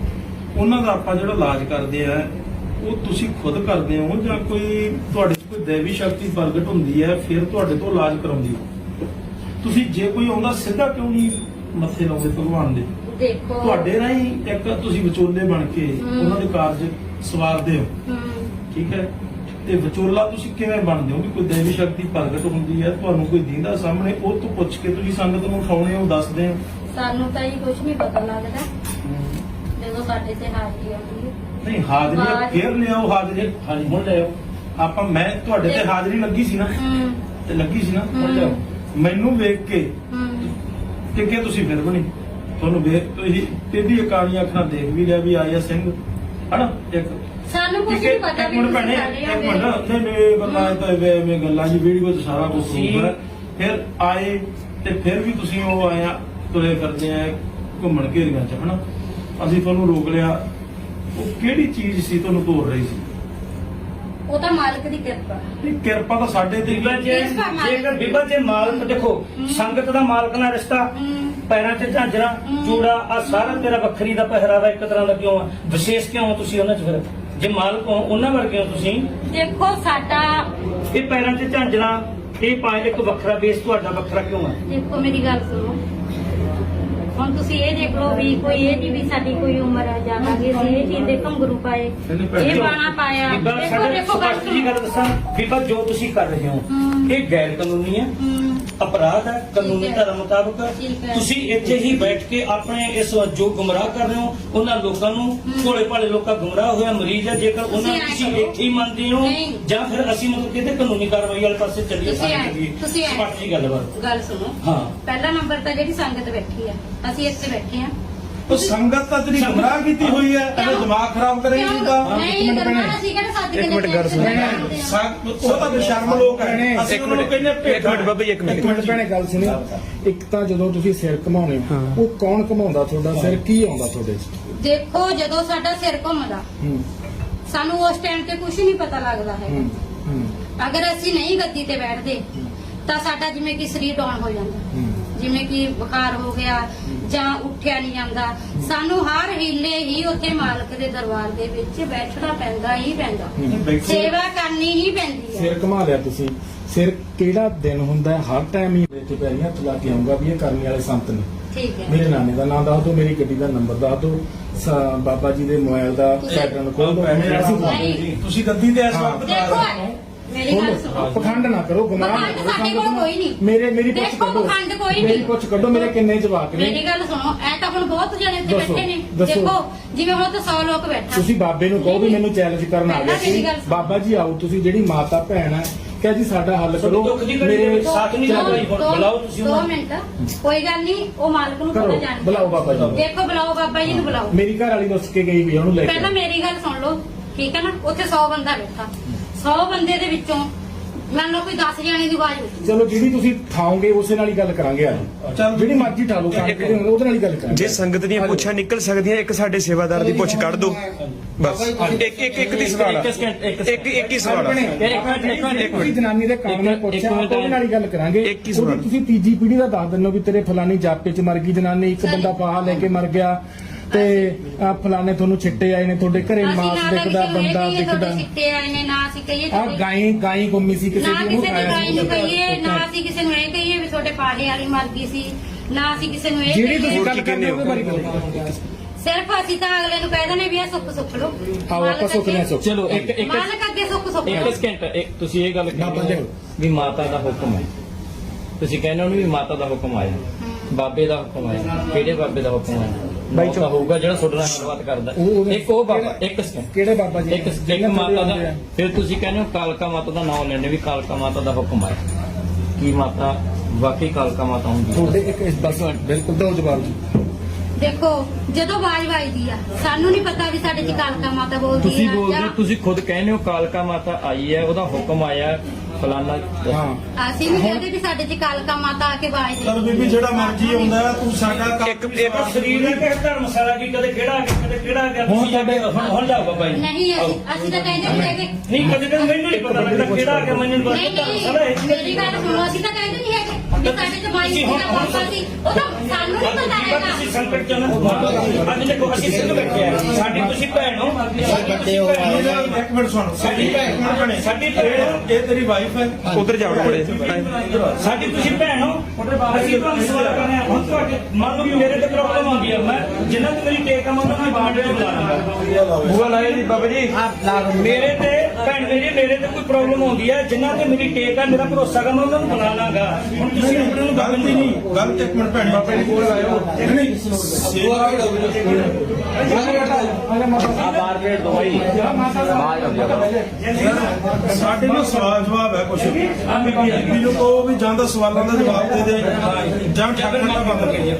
S4: ਉਹਨਾਂ ਦਾ ਆਪਾਂ ਜਿਹੜਾ ਇਲਾਜ ਕਰਦੇ ਆ ਉਹ ਤੁਸੀਂ ਖੁਦ ਕਰਦੇ ਹੋ ਜਾਂ ਕੋਈ ਤੁਹਾਡੇ 'ਚ ਕੋਈ ਦੇਵੀ ਸ਼ਕਤੀ ਪ੍ਰਗਟ ਹੁੰਦੀ ਹੈ ਫਿਰ ਤੁਹਾਡੇ ਤੋਂ ਇਲਾਜ ਕਰਾਉਂਦੀ ਹੈ? ਤੁਸੀਂ ਜੇ ਕੋਈ ਆਉਂਦਾ ਸਿੱਧਾ ਕਿਉਂ ਨਹੀਂ ਮੱਥੇ ਲਾਉਂਦੇ ਭਗਵਾਨ ਦੇ?
S2: ਦੇਖੋ
S4: ਤੁਹਾਡੇ ਰਾਹੀਂ ਇੱਕ ਤੁਸੀਂ ਵਿਚੋਲੇ ਬਣ ਕੇ ਉਹਨਾਂ ਦੇ ਕਾਰਜ ਸਵਾਰਦੇ ਹੋ,
S2: ਹੂੰ
S4: ਠੀਕ ਹੈ? ਤੇ ਵਿਚੋਲਾ ਤੁਸੀਂ ਕਿਵੇਂ ਬਣਦੇ ਹੋ ਕਿ ਕੋਈ ਦੇਵੀ ਸ਼ਕਤੀ ਪ੍ਰਗਟ ਹੁੰਦੀ ਹੈ, ਤੁਹਾਨੂੰ ਕੋਈ ਦੀਂਦਾ ਸਾਹਮਣੇ, ਉਹ ਤੋਂ ਪੁੱਛ ਕੇ ਤੁਸੀਂ ਸੰਗਤ ਨੂੰ ਉਠਾਉਣੇ ਹੋ, ਦੱਸਦੇ ਹੋ?
S2: ਸਾਨੂੰ ਤਾਂ ਇਹ ਕੁਝ ਨਹੀਂ ਪਤਾ ਲੱਗਦਾ ਜਦੋਂ ਸਾਡੇ ਤੇ ਹਾਜ਼ਰੀ ਆਉਂਦੀ ਹੈ।
S4: ਨਹੀਂ ਹਾਜ਼ਰੀ ਫੇਰ ਲਿਆਓ, ਹਾਜ਼ਰੀ ਹਾਂਜੀ ਹੁਣ ਲਿਆਓ। ਆਪਾਂ ਮੈਂ ਤੁਹਾਡੇ ਤੇ ਹਾਜ਼ਰੀ ਲੱਗੀ ਸੀ ਨਾ,
S2: ਹੂੰ
S4: ਤੇ ਲੱਗੀ ਸੀ ਨਾ, ਹੁਣ ਲਿਆਓ। ਮੈਨੂੰ ਵੇਖ ਕੇ
S2: ਹੂੰ
S4: ਕਿ ਤੁਸੀਂ ਫਿਰ ਬਣੀ, ਤੁਹਾਨੂੰ ਵੇਖ ਤੁਸੀਂ ਟੇਢੀ ਅਕਾਲੀਆਂ ਅੱਖਾਂ ਦੇਖ ਵੀ ਲਿਆ ਵੀ ਆਇਆ ਸਿੰਘ ਹਨਾ ਇੱਕ
S2: ਸਾਨੂੰ ਕੁਝ ਨਹੀਂ ਪਤਾ
S4: ਇੱਕ
S2: ਵੀ
S4: ਮਿੰਟ
S2: ਤੁਸੀਂ
S4: ਭੈਣੇ,
S2: ਸਾਡੇ
S4: ਇੱਕ
S2: ਆਉਂਦੇ
S4: ਮਿੰਟ
S2: ਹੋ।
S4: ਨਹੀਂ ਗੱਲਾਂ ਤਾਂ ਐਵੇਂ ਗੱਲਾਂ ਜੀ ਵੀਡੀਓ 'ਚ ਸਾਰਾ ਕੁਝ ਹੋਊਗਾ। ਫਿਰ ਆਏ ਤੇ ਫਿਰ ਵੀ ਤੁਸੀਂ ਉਹ ਆਇਆ ਤੁਰੇ ਫਿਰਦੇ ਆ ਘੁੰਮਣ ਘੇਰੀਆਂ 'ਚ ਹਨਾ, ਅਸੀਂ ਤੁਹਾਨੂੰ ਰੋਕ ਲਿਆ। ਉਹ ਕਿਹੜੀ ਚੀਜ਼ ਸੀ ਤੁਹਾਨੂੰ ਤੋੜ ਰਹੀ ਸੀ?
S2: ਉਹ ਤਾਂ ਮਾਲਕ ਦੀ ਕਿਰਪਾ।
S4: ਨਹੀਂ ਕਿਰਪਾ ਤਾਂ ਸਾਡੇ ਤੇ
S1: ਬੀਬਾ ਜੇਕਰ ਬੀਬਾ ਜੇ ਮਾਲਕ ਦੇਖੋ ਸੰਗਤ ਦਾ ਮਾਲਕ ਨਾਲ ਰਿਸ਼ਤਾ, ਪੈਰਾਂ 'ਚ ਝਾਂਜਰਾਂ ਚੂੜਾ ਆ ਸਾਰਾ ਤੇਰਾ ਵੱਖਰੀ ਦਾ ਪਹਿਰਾਵਾ ਇੱਕ ਤਰ੍ਹਾਂ ਦਾ ਕਿਉਂ ਆ? ਵਿਸ਼ੇਸ਼ ਕਿਉਂ ਹੋ ਤੁਸੀਂ ਉਹਨਾਂ 'ਚ? ਫਿਰ ਜੇ ਮਾਲਕ ਹੋ ਉਹਨਾਂ ਵਰਗੇ ਹੋ ਤੁਸੀਂ।
S2: ਦੇਖੋ ਸਾਡਾ
S1: ਇਹ ਪੈਰਾਂ 'ਚ ਝਾਂਜਰਾਂ ਇਹ ਪਾਏ ਇੱਕ ਵੱਖਰਾ ਬੇਸ ਤੁਹਾਡਾ ਵੱਖਰਾ ਕਿਉਂ ਆ?
S2: ਦੇਖੋ ਮੇਰੀ ਗੱਲ ਸੁਣੋ, ਹੁਣ ਤੁਸੀਂ ਇਹ ਦੇਖ ਲਓ ਵੀ ਕੋਈ ਇਹ ਨਹੀਂ ਵੀ ਸਾਡੀ ਕੋਈ ਉਮਰ ਆ ਜਾਵਾਂਗੇ ਅਸੀਂ ਇਹ ਚੀਜ਼ ਦੇ ਘੁੰਗਰੂ ਪਾਏ, ਇਹ ਬਾਣਾ ਪਾਇਆ।
S1: ਬੀਬਾ
S2: ਦੇਖੋ
S1: ਸਾਡੇ
S2: ਦੇਖੋ ਗੱਲ
S1: ਸਪਸ਼ਟ ਜੀ ਗੱਲ ਦੱਸਾਂ ਬੀਬਾ, ਜੋ ਤੁਸੀਂ ਕਰ ਰਹੇ ਹੋ ਇਹ ਗੈਰ ਕਾਨੂੰਨੀ ਹੈ।
S2: ਹੂੰ
S1: ਅਪਰਾਧ ਹੈ ਕਾਨੂੰਨੀ
S2: ਠੀਕ ਹੈ।
S1: ਧਾਰਾ ਮੁਤਾਬਕ।
S2: ਠੀਕ ਹੈ।
S1: ਤੁਸੀਂ ਇੱਥੇ ਹੀ ਬੈਠ ਕੇ ਆਪਣੇ ਇਸ ਜੋ ਗੁੰਮਰਾਹ ਕਰ ਰਹੇ ਹੋ ਉਹਨਾਂ ਲੋਕਾਂ ਨੂੰ, ਭੋਲੇ ਭਾਲੇ ਲੋਕਾਂ ਗੁੰਮਰਾਹ ਹੋਇਆ ਮਰੀਜ਼ ਹੈ, ਜੇਕਰ ਉਹਨਾਂ ਨੂੰ
S2: ਤੁਸੀਂ
S1: ਤੁਸੀਂ
S2: ਐਂ ਕਰੋ।
S1: ਇੱਥੇ ਹੀ ਮੰਨਦੇ ਹੋ
S2: ਨਹੀਂ।
S1: ਜਾਂ ਫਿਰ ਅਸੀਂ ਮਤਲਬ ਕਿਤੇ ਕਾਨੂੰਨੀ ਕਾਰਵਾਈ ਵਾਲੇ ਪਾਸੇ ਚੱਲੀਏ।
S2: ਤੁਸੀਂ ਐਂ-
S1: ਸਪੱਸ਼ਟ ਜੀ ਗੱਲਬਾਤ।
S2: ਗੱਲ ਸੁਣੋ।
S1: ਹਾਂ।
S2: ਪਹਿਲਾ ਨੰਬਰ ਤਾਂ ਜਿਹੜੀ ਸੰਗਤ ਬੈਠੀ ਆ, ਅਸੀਂ ਇੱਥੇ ਬੈਠੇ ਆ।
S4: ਉਹ ਸੰਗਤ ਤਾਂ ਤੇਰੀ ਗੁੰਮਰਾਹ ਕੀਤੀ ਹੋਈ ਹੈ, ਇਹਨੇ ਦਿਮਾਗ ਖਰਾਬ ਕਰੇਗੀ ਤਾਂ
S2: ਨਹੀਂ ਕਰਨਾ, ਅਸੀਂ ਕਿਹੜਾ ਸੱਦ ਕੇ
S3: ਇੱਕ ਮਿੰਟ ਗੱਲ ਸੁਣੋ।
S4: ਉਹ ਤਾਂ ਬੇਸ਼ਰਮ ਲੋਕ ਹੈ। ਅਸੀਂ ਉਹਨਾਂ ਨੂੰ ਕਹਿੰਦੇ
S3: ਇੱਕ ਮਿੰਟ ਬਾਬਾ ਜੀ, ਇੱਕ
S6: ਇੱਕ ਮਿੰਟ ਭੈਣੇ ਗੱਲ ਸੁਣਿਓ। ਇੱਕ ਤਾਂ ਜਦੋਂ ਤੁਸੀਂ ਸਿਰ ਘਮਾਉਣੇ ਹੋ, ਉਹ ਕੌਣ ਘਮਾਉਂਦਾ ਤੁਹਾਡਾ ਸਿਰ, ਕੀ ਆਉਂਦਾ ਤੁਹਾਡੇ 'ਚ?
S2: ਦੇਖੋ ਜਦੋਂ ਸਾਡਾ ਸਿਰ ਘੁੰਮਦਾ
S6: ਹੂੰ,
S2: ਸਾਨੂੰ ਉਸ ਟਾਈਮ ਤੇ ਕੁਝ ਨਹੀਂ ਪਤਾ ਲੱਗਦਾ ਹੈ।
S6: ਹੂੰ, ਹੂੰ,
S2: ਅਗਰ ਅਸੀਂ ਨਹੀਂ ਗੱਦੀ ਤੇ ਬੈਠਦੇ ਤਾਂ ਸਾਡਾ ਜਿਵੇਂ ਕਿ ਸਰੀਰ ਡਾਊਨ ਹੋ ਜਾਂਦਾ,
S6: ਹੂੰ।
S2: ਜਿਵੇਂ ਕਿ ਬੁਖਾਰ ਹੋ ਗਿਆ ਜਾਂ ਉੱਠਿਆ ਨਹੀਂ ਜਾਂਦਾ। ਸਾਨੂੰ ਹਰ ਹੀਲੇ ਹੀ ਉੱਥੇ ਮਾਲਕ ਦੇ ਦਰਬਾਰ ਦੇ ਵਿੱਚ ਬੈਠਣਾ ਪੈਂਦਾ ਹੀ ਪੈਂਦਾ, ਸੇਵਾ ਕਰਨੀ ਹੀ ਪੈਂਦੀ ਹੈ।
S6: ਸਿਰ ਘਮਾ ਲਿਆ ਤੁਸੀਂ, ਸਿਰ ਕਿਹੜਾ ਦਿਨ ਹੁੰਦਾ ਹੈ? ਹਰ ਟਾਈਮ ਹੀ ਇੱਥੇ ਪੈਰੀਂ ਹੱਥ ਲਾ ਕੇ ਆਉਂਗਾ ਵੀ ਇਹ ਕਰਨੀ ਵਾਲੇ ਸੰਤ ਨੇ।
S2: ਠੀਕ ਹੈ।
S6: ਮੇਰੇ ਨਾਨੇ ਦਾ ਨਾਮ ਦੱਸ ਦਿਓ, ਮੇਰੀ ਗੱਡੀ ਦਾ ਨੰਬਰ ਦੱਸ ਦਿਓ, ਬਾਬਾ ਜੀ ਦੇ ਮੋਬਾਈਲ ਦਾ ਪੈਟਰਨ ਖੋਲ ਦਿਓ।
S2: ਨਹੀਂ।
S4: ਤੁਸੀਂ ਗੱਦੀ ਤੇ ਇਸ ਵਕਤ
S2: ਦੇਖੋ ਮੇਰੀ ਗੱਲ ਸੁਣੋ।
S6: ਪਖੰਡ ਨਾ ਕਰੋ, ਗੁਨਾਹ ਨਾ
S2: ਪਖੰਡ
S6: ਕਰੋ।
S2: ਸਾਡੇ ਕੋਲ ਕੋਈ ਨਹੀਂ।
S6: ਮੇਰੀ ਪੁੱਛ
S2: ਦੇਖੋ,
S6: ਕੱਢੋ,
S2: ਪਖੰਡ ਕੋਈ ਨਹੀਂ।
S6: ਮੇਰੀ ਪੁੱਛ ਕੱਢੋ, ਮੇਰੇ ਕਿੰਨੇ ਜਵਾਕ ਨੇ?
S2: ਮੇਰੀ ਗੱਲ ਸੁਣੋ, ਐ ਤਾਂ ਹੁਣ ਬਹੁਤ ਜਣੇ ਇੱਥੇ
S6: ਦੱਸੋ,
S2: ਬੈਠੇ ਨੇ।
S6: ਦੱਸੋ।
S2: ਦੇਖੋ ਜਿਵੇਂ ਹੁਣ ਤਾਂ 100 ਲੋਕ ਬੈਠਾ।
S6: ਤੁਸੀਂ ਬਾਬੇ ਨੂੰ ਕਹੋ ਵੀ ਮੈਨੂੰ ਚੈਲੰਜ ਕਰਨ ਆ ਗਿਆ
S2: ਪਹਿਲਾਂ
S6: ਸੀ,
S2: ਮੇਰੀ ਗੱਲ ਸੁਣੋ।
S6: ਬਾਬਾ ਜੀ ਆਓ, ਤੁਸੀਂ ਜਿਹੜੀ ਮਾਤਾ ਭੈਣ ਹੈ ਕਿਹਾ ਜੀ ਸਾਡਾ ਹੱਲ ਕਰੋ।
S1: ਦੁੱਖ ਦੀ ਘੜੀ ਦੇ ਵਿੱਚ ਸਾਥ ਨਹੀਂ
S6: ਚਲੋ,
S1: ਦਿੰਦਾ। ਬੁਲਾਓ ਤੁਸੀਂ
S2: ਦੋ
S1: ਉਹਨਾਂ ਨੂੰ।
S2: ਮਿੰਟ, ਕੋਈ ਗੱਲ ਨਹੀਂ, ਉਹ ਮਾਲਕ ਨੂੰ
S6: ਕਰੋ,
S2: ਪਤਾ ਜਾਣਦਾ।
S6: ਬੁਲਾਓ ਬਾਬਾ ਜੀ ਨੂੰ।
S2: ਦੇਖੋ ਬੁਲਾਓ ਬਾਬਾ ਜੀ ਨੂੰ ਬੁਲਾਓ।
S6: ਮੇਰੀ ਘਰ ਵਾਲੀ ਦੱਸ ਕੇ ਗਈ ਵੀ ਉਹਨੂੰ ਲੈ ਕੇ
S2: ਪਹਿਲਾਂ ਮੇਰੀ ਗੱਲ ਸੁਣ ਲਓ, ਠੀਕ ਹੈ ਨਾ? ਉੱਥੇ 100 ਬੰਦਾ ਬੈਠਾ, 100 ਬੰਦੇ ਦੇ ਵਿੱਚੋਂ ਮੰਨ ਲਓ ਕੋਈ 10 ਜਣੇ ਦੀ ਆਵਾਜ਼ ਹੋਈ।
S6: ਚਲੋ ਜਿਹੜੀ ਤੁਸੀਂ ਠਾਓਗੇ ਉਸੇ ਨਾਲ ਹੀ ਗੱਲ ਕਰਾਂਗੇ। ਅੱਜ
S4: ਚੱਲ
S6: ਜਿਹੜੀ ਮਰਜ਼ੀ ਠਾ ਲਓ, ਉਹਦੇ ਨਾਲ ਹੀ ਗੱਲ ਕਰਾਂਗੇ।
S3: ਜੇ ਸੰਗਤ ਦੀਆਂ ਪੁੱਛਾਂ ਨਿਕਲ ਸਕਦੀਆਂ, ਇੱਕ ਸਾਡੇ ਸੇਵਾਦਾਰ ਦੀ ਪੁੱਛ ਕੱਢ ਦਿਓ ਬਸ। ਇੱਕ ਦੀ ਸਵਾਲ ਆ। ਇੱਕ ਹੀ ਸਵਾਲ ਆ।
S6: ਤੁਸੀਂ ਜਨਾਨੀ ਦੇ ਕੰਮ ਨਾਲ ਪੁੱਛਿਆ, ਉਹਦੇ ਨਾਲ ਹੀ ਗੱਲ ਕਰਾਂਗੇ।
S3: ਇੱਕ ਹੀ ਸਵਾਲ।
S6: ਉਹਦੀ ਤੁਸੀਂ ਤੀਜੀ ਪੀੜ੍ਹੀ ਦਾ ਦੱਸ ਦਿੰਦੇ ਹੋ ਵੀ ਤੇਰੇ ਫਲਾਨੀ ਜਾਪੇ ਚ ਮਰ ਗਈ ਜਨਾਨੀ, ਇੱਕ ਬੰਦਾ ਫਾਹਾ ਲੈ ਕੇ ਮਰ ਗਿਆ, ਤੇ ਆ ਫਲਾਣੇ ਤੁਹਾਨੂੰ ਛਿੱਟੇ ਆਏ ਨੇ, ਤੁਹਾਡੇ ਘਰੇ
S2: ਅਸੀਂ
S6: ਮਾਸ
S2: ਨਾ
S6: ਦਿਖਦਾ, ਬੰਦਾ
S2: ਕਹੀਏ
S6: ਦਿਖਦਾ।
S2: ਤੁਹਾਡੇ ਸਿੱਟੇ ਆਏ ਨੇ, ਨਾ ਅਸੀਂ ਕਹੀਏ
S6: ਆ ਗਾਈ ਗੁੰਮੀ ਸੀ ਕਿਸੇ
S2: ਨਾ
S6: ਦੀ, ਉਹਨੂੰ
S2: ਕਿਸੇ ਦੀ
S6: ਖਾਇਆ
S2: ਗਾਈ ਨੂੰ
S6: ਸੀ।
S2: ਕਹੀਏ, ਨਾ ਅਸੀਂ ਕਿਸੇ ਨੂੰ ਇਹ ਕਹੀਏ ਵੀ ਤੁਹਾਡੇ ਪਾੜੇ ਵਾਲੀ ਮਰ ਗਈ ਸੀ, ਨਾ ਅਸੀਂ ਕਿਸੇ ਨੂੰ ਇਹ
S6: ਜਿਹੜੀ
S2: ਕਹੀਏ।
S6: ਤੁਸੀਂ
S3: ਹੋਰ
S6: ਗੱਲ
S3: ਕੀ
S6: ਕਰਦੇ
S3: ਕਹਿੰਦੇ
S6: ਹੋ
S3: ਹੋ?
S6: ਉਹਦੇ ਬਾਰੇ ਗੱਲ
S2: ਸਿਰਫ ਅਸੀਂ ਤਾਂ ਅਗਲੇ ਨੂੰ ਕਹਿ ਦਿੰਦੇ ਵੀ ਇਹ ਸੁੱਖ ਸੁੱਖ ਲੋ।
S6: ਆਓ ਆਪਾਂ ਸੁੱਖ ਲਿਆ ਸੁੱਖ।
S1: ਚਲੋ ਇੱਕ
S2: ਮਾਲਕ ਅੱਗੇ ਸੁੱਖ ਸੁੱਖ ਲਓ।
S1: ਇੱਕ ਸਕਿੰਟ, ਤੁਸੀਂ ਇਹ ਗੱਲ
S6: ਨਾ ਬੰਦੇ ਹੋ।
S1: ਵੀ ਮਾਤਾ ਦਾ ਹੁਕਮ ਹੈ। ਤੁਸੀਂ ਕਹਿੰਦੇ ਹੋ ਵੀ ਮਾਤਾ ਦਾ ਹੁਕਮ ਆਇਆ, ਬਾਬੇ ਦਾ ਹੁਕਮ ਆਇਆ। ਕਿਹੜੇ ਬਾਬੇ ਦਾ ਹੁਕਮ ਆਇਆ? ਬਾਈ ਚੋ ਹੋਊਗਾ ਜਿਹੜਾ ਤੁਹਾਡੇ ਨਾਲ ਗੱਲਬਾਤ ਕਰਦਾ। ਇੱਕ ਉਹ ਬਾਬਾ, ਇੱਕ ਸਕਿੰਟ,
S6: ਕਿਹੜੇ ਬਾਬਾ ਜੀ?
S1: ਇੱਕ ਮਾਤਾ ਦਾ। ਫਿਰ ਤੁਸੀਂ ਕਹਿੰਦੇ ਹੋ ਕਾਲਕਾ ਮਾਤਾ ਦਾ ਨਾਮ ਲੈਣੇ ਵੀ ਕਾਲਕਾ ਮਾਤਾ ਦਾ ਹੁਕਮ ਆਇਆ। ਕੀ ਮਾਤਾ ਵਾਕਈ ਕਾਲਕਾ ਮਾਤਾ ਹੁੰਦੀ ਹੈ?
S6: ਤੁਹਾਡੇ ਇੱਕ ਬਸ ਬਿਲਕੁਲ ਦੋ ਜਵਾਬ ਜੀ।
S2: ਦੇਖੋ ਜਦੋਂ ਆਵਾਜ਼ ਵੱਜਦੀ ਆ, ਸਾਨੂੰ ਨਹੀਂ ਪਤਾ ਵੀ ਸਾਡੇ ਚ ਕਾਲਕਾ ਮਾਤਾ ਬੋਲਦੀ
S1: ਤੁਸੀਂ
S2: ਆ
S1: ਬੋਲਦੇ ਹੋ,
S2: ਜਾਂ
S1: ਤੁਸੀਂ ਖੁਦ ਕਹਿੰਦੇ ਹੋ ਕਾਲਕਾ ਮਾਤਾ ਆਈ ਹੈ, ਉਹਦਾ ਹੁਕਮ ਆਇਆ ਫਲਾਨਾ।
S6: ਹਾਂ,
S2: ਅਸੀਂ ਨਹੀਂ ਕਹਿੰਦੇ ਵੀ ਸਾਡੇ ਚ ਕਾਲਕਾ ਮਾਤਾ ਆ ਕੇ ਆਵਾਜ਼ ਦੇ।
S4: ਚਲ ਬੀਬੀ ਜਿਹੜਾ ਮਰਜ਼ੀ ਆਉਂਦਾ ਹੈ, ਤੂੰ ਸਾਡਾ ਕੰਮ
S3: ਇੱਕ
S1: ਸਰੀਰ ਨੇ ਕਿਹੜਾ ਧਰਮਸ਼ਾਲਾ ਕੀ ਕਦੇ ਕਿਹੜਾ ਆ ਗਿਆ, ਕਦੇ ਕਿਹੜਾ ਆ ਗਿਆ।
S6: ਹੁਣ
S1: ਤੁਸੀਂ
S6: ਤੁਹਾਡੇ
S1: ਹੁਣ ਜਾਓ ਬਾਬਾ ਜੀ।
S2: ਨਹੀਂ ਅਸੀਂ ਤਾਂ ਕਹਿੰਦੇ ਨਹੀਂ ਹੈਗੇ।
S1: ਨਹੀਂ ਕਦੇ ਤਾਂ ਮੈਨੂੰ ਨਹੀਂ ਪਤਾ ਲੱਗਦਾ ਕਿਹੜਾ ਆ ਗਿਆ, ਮੈਨੂੰ ਨਹੀਂ
S2: ਨਹੀਂ
S1: ਪਤਾ ਧਰਮਸ਼ਾਲਾ ਹੈ
S2: ਨਹੀਂ ਮੇਰੀ ਗੱਲ ਸੁਣੋ, ਅਸੀਂ ਤਾਂ ਕਹਿੰਦੇ ਨਹੀਂ ਹੈਗੇ ਵੀ ਸਾਡੇ ਚ ਬਾਈ ਸੀ ਦਾ ਬਾਬਾ ਸੀ, ਉਹ ਤਾਂ ਸਾਨੂੰ ਨਹੀਂ ਪਤਾ ਹੈਗਾ।
S1: ਤੁਸੀਂ ਸੰਕਟ ਚ ਨਾ ਅੱਜ ਦੇਖੋ ਅਸੀਂ ਸਿੱਧ ਬੈਠੇ ਆ, ਸਾਡੀ ਤੁਸੀਂ ਭੈਣ ਹੋ।
S4: ਇੱਕ ਮਿੰਟ ਸੁਣ, ਸਾਡੀ ਭੈਣ ਬਣੇ,
S1: ਸਾਡੀ ਭੈਣ ਹੋ।
S4: ਇਹ ਤੇਰੀ ਵਾਈਫ ਹੈ।
S3: ਉਧਰ ਜਾਓ ਬੜੇ।
S1: ਸਾਡੀ ਤੁਸੀਂ ਭੈਣ ਹੋ। ਅਸੀਂ ਤੁਹਾਨੂੰ ਸਵਾਲ ਕਰਨੇ ਆ। ਹੁਣ ਤੁਹਾਡੇ ਮੰਨ ਲਓ ਵੀ ਮੇਰੇ ਤੇ ਪ੍ਰੋਬਲਮ ਆਉਂਦੀ ਹੈ, ਮੈਂ ਜਿੰਨਾ ਤੇ ਮੇਰੀ ਟੇਕ ਆ ਮੈਂ ਉਹਨਾਂ ਨੂੰ ਬਾਹਰ ਦੇ ਬੁਲਾਣਾ।
S3: ਬੂਆ ਲਾਇਆ ਜੀ ਬਾਬਾ ਜੀ।
S1: ਮੇਰੇ ਤੇ ਭੈਣ ਮੇਰੀ, ਮੇਰੇ ਤੇ ਕੋਈ ਪ੍ਰੋਬਲਮ ਆਉਂਦੀ ਹੈ, ਜਿੰਨਾ ਤੇ ਮੇਰੀ ਟੇਕ ਆ, ਮੇਰਾ ਭਰੋਸਾ ਗਾ, ਮੈਂ ਉਹਨਾਂ ਨੂੰ ਬੁਲਾ ਲਾਂਗਾ। ਹੁਣ ਤੁਸੀਂ ਆਪਣੇ ਨੂੰ ਗੱਲ
S4: ਗਲਤੀ ਨਹੀਂ, ਗਲਤ ਇੱਕ ਮਿੰਟ ਭੈਣ ਬਾਬੇ ਦੀ ਕੋਲ ਆਇਓ। ਨਹੀਂ ਸਾਡੇ ਨਾਲ ਸਵਾਲ ਜਵਾਬ ਹੈ ਕੁਛ ਬੀਬੀ ਨੂੰ ਕਹੋ ਵੀ ਜਾਂ ਤਾਂ ਸਵਾਲਾਂ ਦਾ ਜਵਾਬ ਦੇ ਦੇ ਜਾਂ ਠੱਗਣ ਦਾ ਬੰਦ ਕਰੀਏ।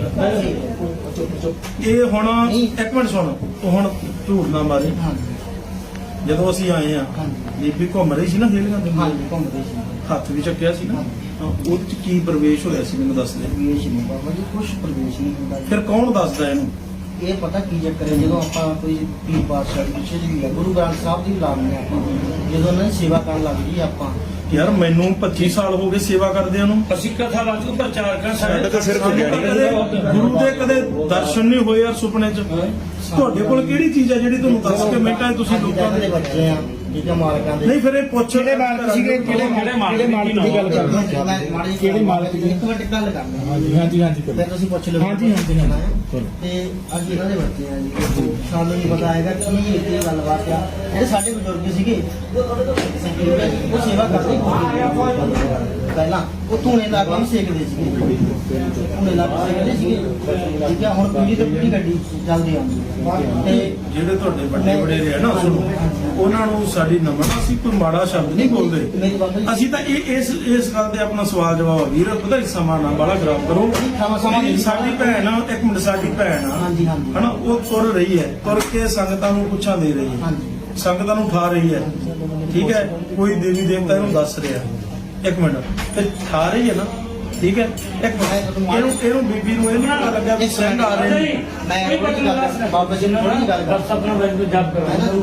S4: ਇਹ ਹੁਣ ਇੱਕ ਮਿੰਟ ਸੁਣ, ਤੂੰ ਹੁਣ ਝੂਠ ਨਾ ਮਾਰੀ। ਜਦੋਂ ਅਸੀਂ ਆਏ ਆ ਬੀਬੀ ਘੁੰਮ ਰਹੀ ਸੀ ਨਾ ਹੇਲੀਆਂ ਦੇ,
S5: ਘੁੰਮਦੇ ਸੀ
S4: ਹੱਥ ਵੀ ਚੱਕਿਆ ਸੀ ਨਾ, ਉਹਦੇ ਚ ਕੀ ਪ੍ਰਵੇਸ਼ ਹੋਇਆ ਸੀ ਮੈਨੂੰ ਦੱਸ ਦੇ।
S5: ਪ੍ਰਵੇਸ਼ ਨਹੀਂ ਬਾਬਾ ਜੀ, ਕੁਛ ਪ੍ਰਵੇਸ਼ ਨਹੀਂ ਹੁੰਦਾ ਜੀ।
S4: ਫਿਰ ਕੌਣ ਦੱਸਦਾ ਇਹਨੂੰ?
S5: ਇਹ ਪਤਾ ਕੀ ਚੱਕਰ ਹੈ, ਜਦੋਂ ਆਪਾਂ ਕੋਈ ਪੀਰ ਪਾਤਸ਼ਾਹ ਦੀ ਪਿੱਛੇ ਜੀ ਗੁਰੂ ਗ੍ਰੰਥ ਸਾਹਿਬ ਦੀ ਲਾਉਂਦੇ ਆਪਾਂ, ਜਦੋਂ ਉਹਨਾਂ ਦੀ ਸੇਵਾ ਕਰਨ ਲੱਗ ਜੀ ਆਪਾਂ।
S4: ਯਾਰ ਮੈਨੂੰ 25 ਸਾਲ ਹੋ ਗਏ ਸੇਵਾ ਕਰਦਿਆਂ ਨੂੰ।
S1: ਅਸੀਂ ਕਥਾ ਵਾਚੂ ਪ੍ਰਚਾਰ ਕਰ
S3: ਸਾਡਾ ਤਾਂ ਸਿਰਫ ਗਿਆਨੀ
S4: ਗੁਰੂ ਦੇ ਕਦੇ ਦਰਸ਼ਨ ਨਹੀਂ ਹੋਏ ਯਾਰ ਸੁਪਨੇ 'ਚ। ਤੁਹਾਡੇ ਕੋਲ ਕਿਹੜੀ ਚੀਜ਼ ਹੈ ਜਿਹੜੀ ਤੁਹਾਨੂੰ ਦੱਸ ਕੇ ਮਿੰਟਾਂ 'ਚ ਤੁਸੀਂ ਲੋਕਾਂ
S5: ਦੇ
S4: ਦੇ
S5: ਬੱਚੇ ਆ, ਠੀਕ ਹੈ, ਮਾਲਕਾਂ ਦੇ।
S4: ਨਹੀਂ ਫਿਰ ਇਹ ਪੁੱਛ
S6: ਕਿਹੜੇ ਮਾਲਕ ਸੀਗੇ? ਕਿਹੜੇ ਮਾਲਕ ਦੀ ਗੱਲ ਕਰਦੇ ਹੋ? ਕਿਹੜੇ ਮਾਲਕ ਦੀ?
S5: ਇੱਕ ਮਿੰਟ ਗੱਲ ਕਰਨੀ
S6: ਹਾਂਜੀ ਹਾਂਜੀ ਹਾਂਜੀ ਕਰੋ।
S5: ਫਿਰ ਤੁਸੀਂ ਪੁੱਛ ਲਓ।
S6: ਹਾਂਜੀ, ਹਾਂਜੀ, ਹਾਂਜੀ।
S5: ਤੇ ਅੱਜ ਇਹਨਾਂ ਦੇ ਬੱਚੇ ਆ ਜੀ ਸਾਨੂੰ ਨਹੀਂ ਪਤਾ ਹੈਗਾ ਕੀ ਇੱਥੇ ਗੱਲਬਾਤ ਆ ਜਿਹੜੇ ਸਾਡੇ ਬਜ਼ੁਰਗ ਸੀਗੇ ਉਹ ਸੇਵਾ ਕਰਦੇ ਪਹਿਲਾਂ ਉਹ ਧੂਣੇ ਲਾ ਕੇ ਸੇਕਦੇ ਸੀਗੇ ਧੂਣੇ ਲਾ ਕੇ ਸੇਕਦੇ ਸੀਗੇ ਠੀਕ ਆ ਹੁਣ ਪੀੜੀ ਤੋਂ ਪੀੜੀ ਗੱਡੀ ਚੱਲਦੀ ਆ ਤੇ
S4: ਜਿਹੜੇ ਤੁਹਾਡੇ ਵੱਡੇ ਵਡੇਰੇ ਆ ਨਾ ਉਹਨਾਂ ਨੂੰ ਸਾਡੀ ਨਮਨ ਅਸੀਂ ਕੋਈ ਮਾੜਾ ਸ਼ਬਦ ਨਹੀਂ ਬੋਲਦੇ ਅਸੀਂ ਤਾਂ ਇਸ ਗੱਲ ਤੇ ਆਪਣਾ ਸਵਾਲ ਜਵਾਬ ਵੀਰ ਪਤਾ ਸਮਾਂ ਨਾ ਬਾਲਾ ਖਰਾਬ ਕਰੋ ਸਾਡੀ ਭੈਣ ਆ ਇੱਕ ਮਿੰਟ ਸਾਡੀ ਭੈਣ ਆ
S5: ਹਾਂਜੀ ਹਾਂਜੀ
S4: ਹਨਾ ਉਹ ਤੁਰ ਰਹੀ ਹੈ ਤੁਰ ਕੇ ਸੰਗਤਾਂ ਨੂੰ ਪੁੱਛਾਂ ਦੇ ਰਹੀ ਹੈ
S5: ਹਾਂਜੀ
S4: ਸੰਗਤਾਂ ਨੂੰ ਉਠਾ ਰਹੀ ਹੈ ਠੀਕ ਹੈ ਕੋਈ ਦੇਵੀ ਦੇਵਤਾ ਇਹਨੂੰ ਦੱਸ ਰਿਹਾ ਇੱਕ ਮਿੰਟ ਤੇ ਉਠਾ ਰਹੀ ਹੈ ਨਾ ਠੀਕ ਹੈ ਇੱਕ ਮਿੰਟ ਇਹਨੂੰ ਬੀਬੀ ਨੂੰ ਇਹ ਨਹੀਂ ਪਤਾ ਲੱਗਾ ਵੀ ਸਿੰਘ ਆ ਰਹੇ ਨੇ
S5: ਮੈਂ ਥੋੜੀ ਗੱਲ ਬਾਬਾ ਜੀ ਨੂੰ ਥੋੜੀ ਗੱਲ
S1: ਬਸ ਆਪਣਾ ਵੈਲਿਊ ਜਪ ਕਰੋ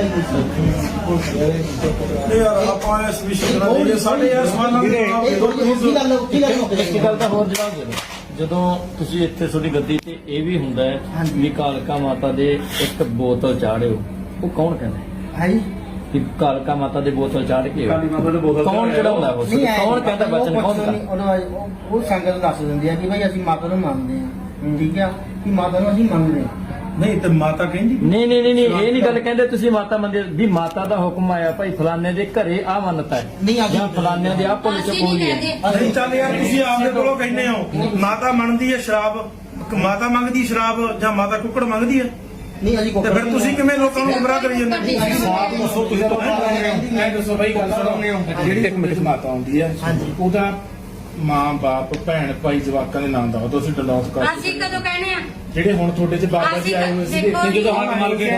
S4: ਇਹ ਯਾਰ ਆਪਾਂ ਇਸ ਵਿਸ਼ੇ ਨਾਲ ਸਾਡੇ ਯਾਰ ਸਵਾਲਾਂ ਦੇ ਜਵਾਬ ਦੇ ਦਿਓ
S1: ਇੱਕ ਗੱਲ ਦਾ ਹੋਰ ਜਵਾਬ ਦੇ ਦਿਓ ਜਦੋਂ ਤੁਸੀਂ ਇੱਥੇ ਤੁਹਾਡੀ ਗੱਦੀ ਤੇ ਇਹ ਵੀ ਹੁੰਦਾ ਹੈ ਵੀ ਕਾਲਕਾ ਮਾਤਾ ਦੇ ਇੱਕ ਬੋਤਲ ਚਾੜਿਓ ਉਹ ਕੌਣ ਕਹਿੰਦਾ
S5: ਹੈ ਜੀ
S1: ਕਿ ਕਾਲਕਾ ਮਾਤਾ ਦੇ ਬੋਤਲ ਚਾੜ ਕੇ ਕੌਣ ਚੜਾਉਂਦਾ ਉਹ ਕੌਣ ਕਹਿੰਦਾ ਬਚਨ ਕੌਣ ਕਹਿੰਦਾ
S5: ਉਹ ਸੰਗਤ ਦੱਸ ਦਿੰਦੀ ਆ ਕਿ ਭਾਈ ਅਸੀਂ ਮਾਤਾ ਨੂੰ ਮੰਨਦੇ ਆ ਠੀਕ ਆ ਕਿ ਮਾਤਾ ਨੂੰ ਅਸੀਂ ਮੰਨਦੇ ਆ
S4: ਨਹੀਂ ਤੇ ਮਾਤਾ ਕਹਿੰਦੀ
S1: ਨਹੀਂ ਇਹ ਨਹੀਂ ਗੱਲ ਕਹਿੰਦੇ ਤੁਸੀਂ ਮਾਤਾ ਮੰਦਿਰ ਵੀ ਮਾਤਾ ਦਾ ਹੁਕਮ ਆਇਆ ਭਾਈ ਫਲਾਣੇ ਦੇ ਘਰੇ ਆ ਮੰਨਤਾ ਹੈ
S5: ਨਹੀਂ ਆ
S1: ਜਾਂ ਫਲਾਣੇ ਦੇ ਆ ਪੁੱਲ ਚ ਬੋਲੀ ਹੈ
S4: ਨਹੀਂ ਚੱਲ ਯਾਰ ਤੁਸੀਂ ਆਪਦੇ ਕੋਲੋਂ ਕਹਿੰਦੇ ਹੋ ਮਾਤਾ ਮੰਨਦੀ ਹੈ ਸ਼ਰਾਬ ਮਾਤਾ ਮੰਗਦੀ ਸ਼ਰਾਬ ਜਾਂ ਮਾਤਾ ਕੁੱਕੜ ਮੰਗਦੀ ਹੈ
S5: ਨਹੀਂ ਅਸੀਂ
S4: ਤੇ ਫਿਰ ਤੁਸੀਂ ਕਿਵੇਂ ਲੋਕਾਂ ਨੂੰ ਗੁੰਮਰਾਹ ਕਰੀ ਜਾਂਦੇ
S6: ਦੱਸੋ ਤੁਸੀਂ ਮੈਂ ਦੱਸੋ ਬਈ ਗੱਲ ਸੁਣੋ ਜਿਹੜੀ ਇੱਕ ਮਿੰਟ ਮਾਤਾ ਆਉਂਦੀ ਹੈ ਉਹਦਾ ਮਾਂ ਬਾਪ ਭੈਣ ਭਾਈ ਜਵਾਕਾਂ ਦੇ ਨਾਮ ਦਾ ਤੁਸੀਂ ਡਲੋਟ ਕਰ
S2: ਅਸੀਂ ਕਦੋਂ ਕਹਿਣੇ ਆ
S6: ਜਿਹੜੇ ਹੁਣ ਤੁਹਾਡੇ ਚ ਬਾਬਾ ਜੀ ਆਏ ਹੋਏ ਸੀਗੇ
S2: ਦੇਖੋ ਜੀ,
S6: ਜਦੋਂ ਹੱਥ ਮਲ ਕੇ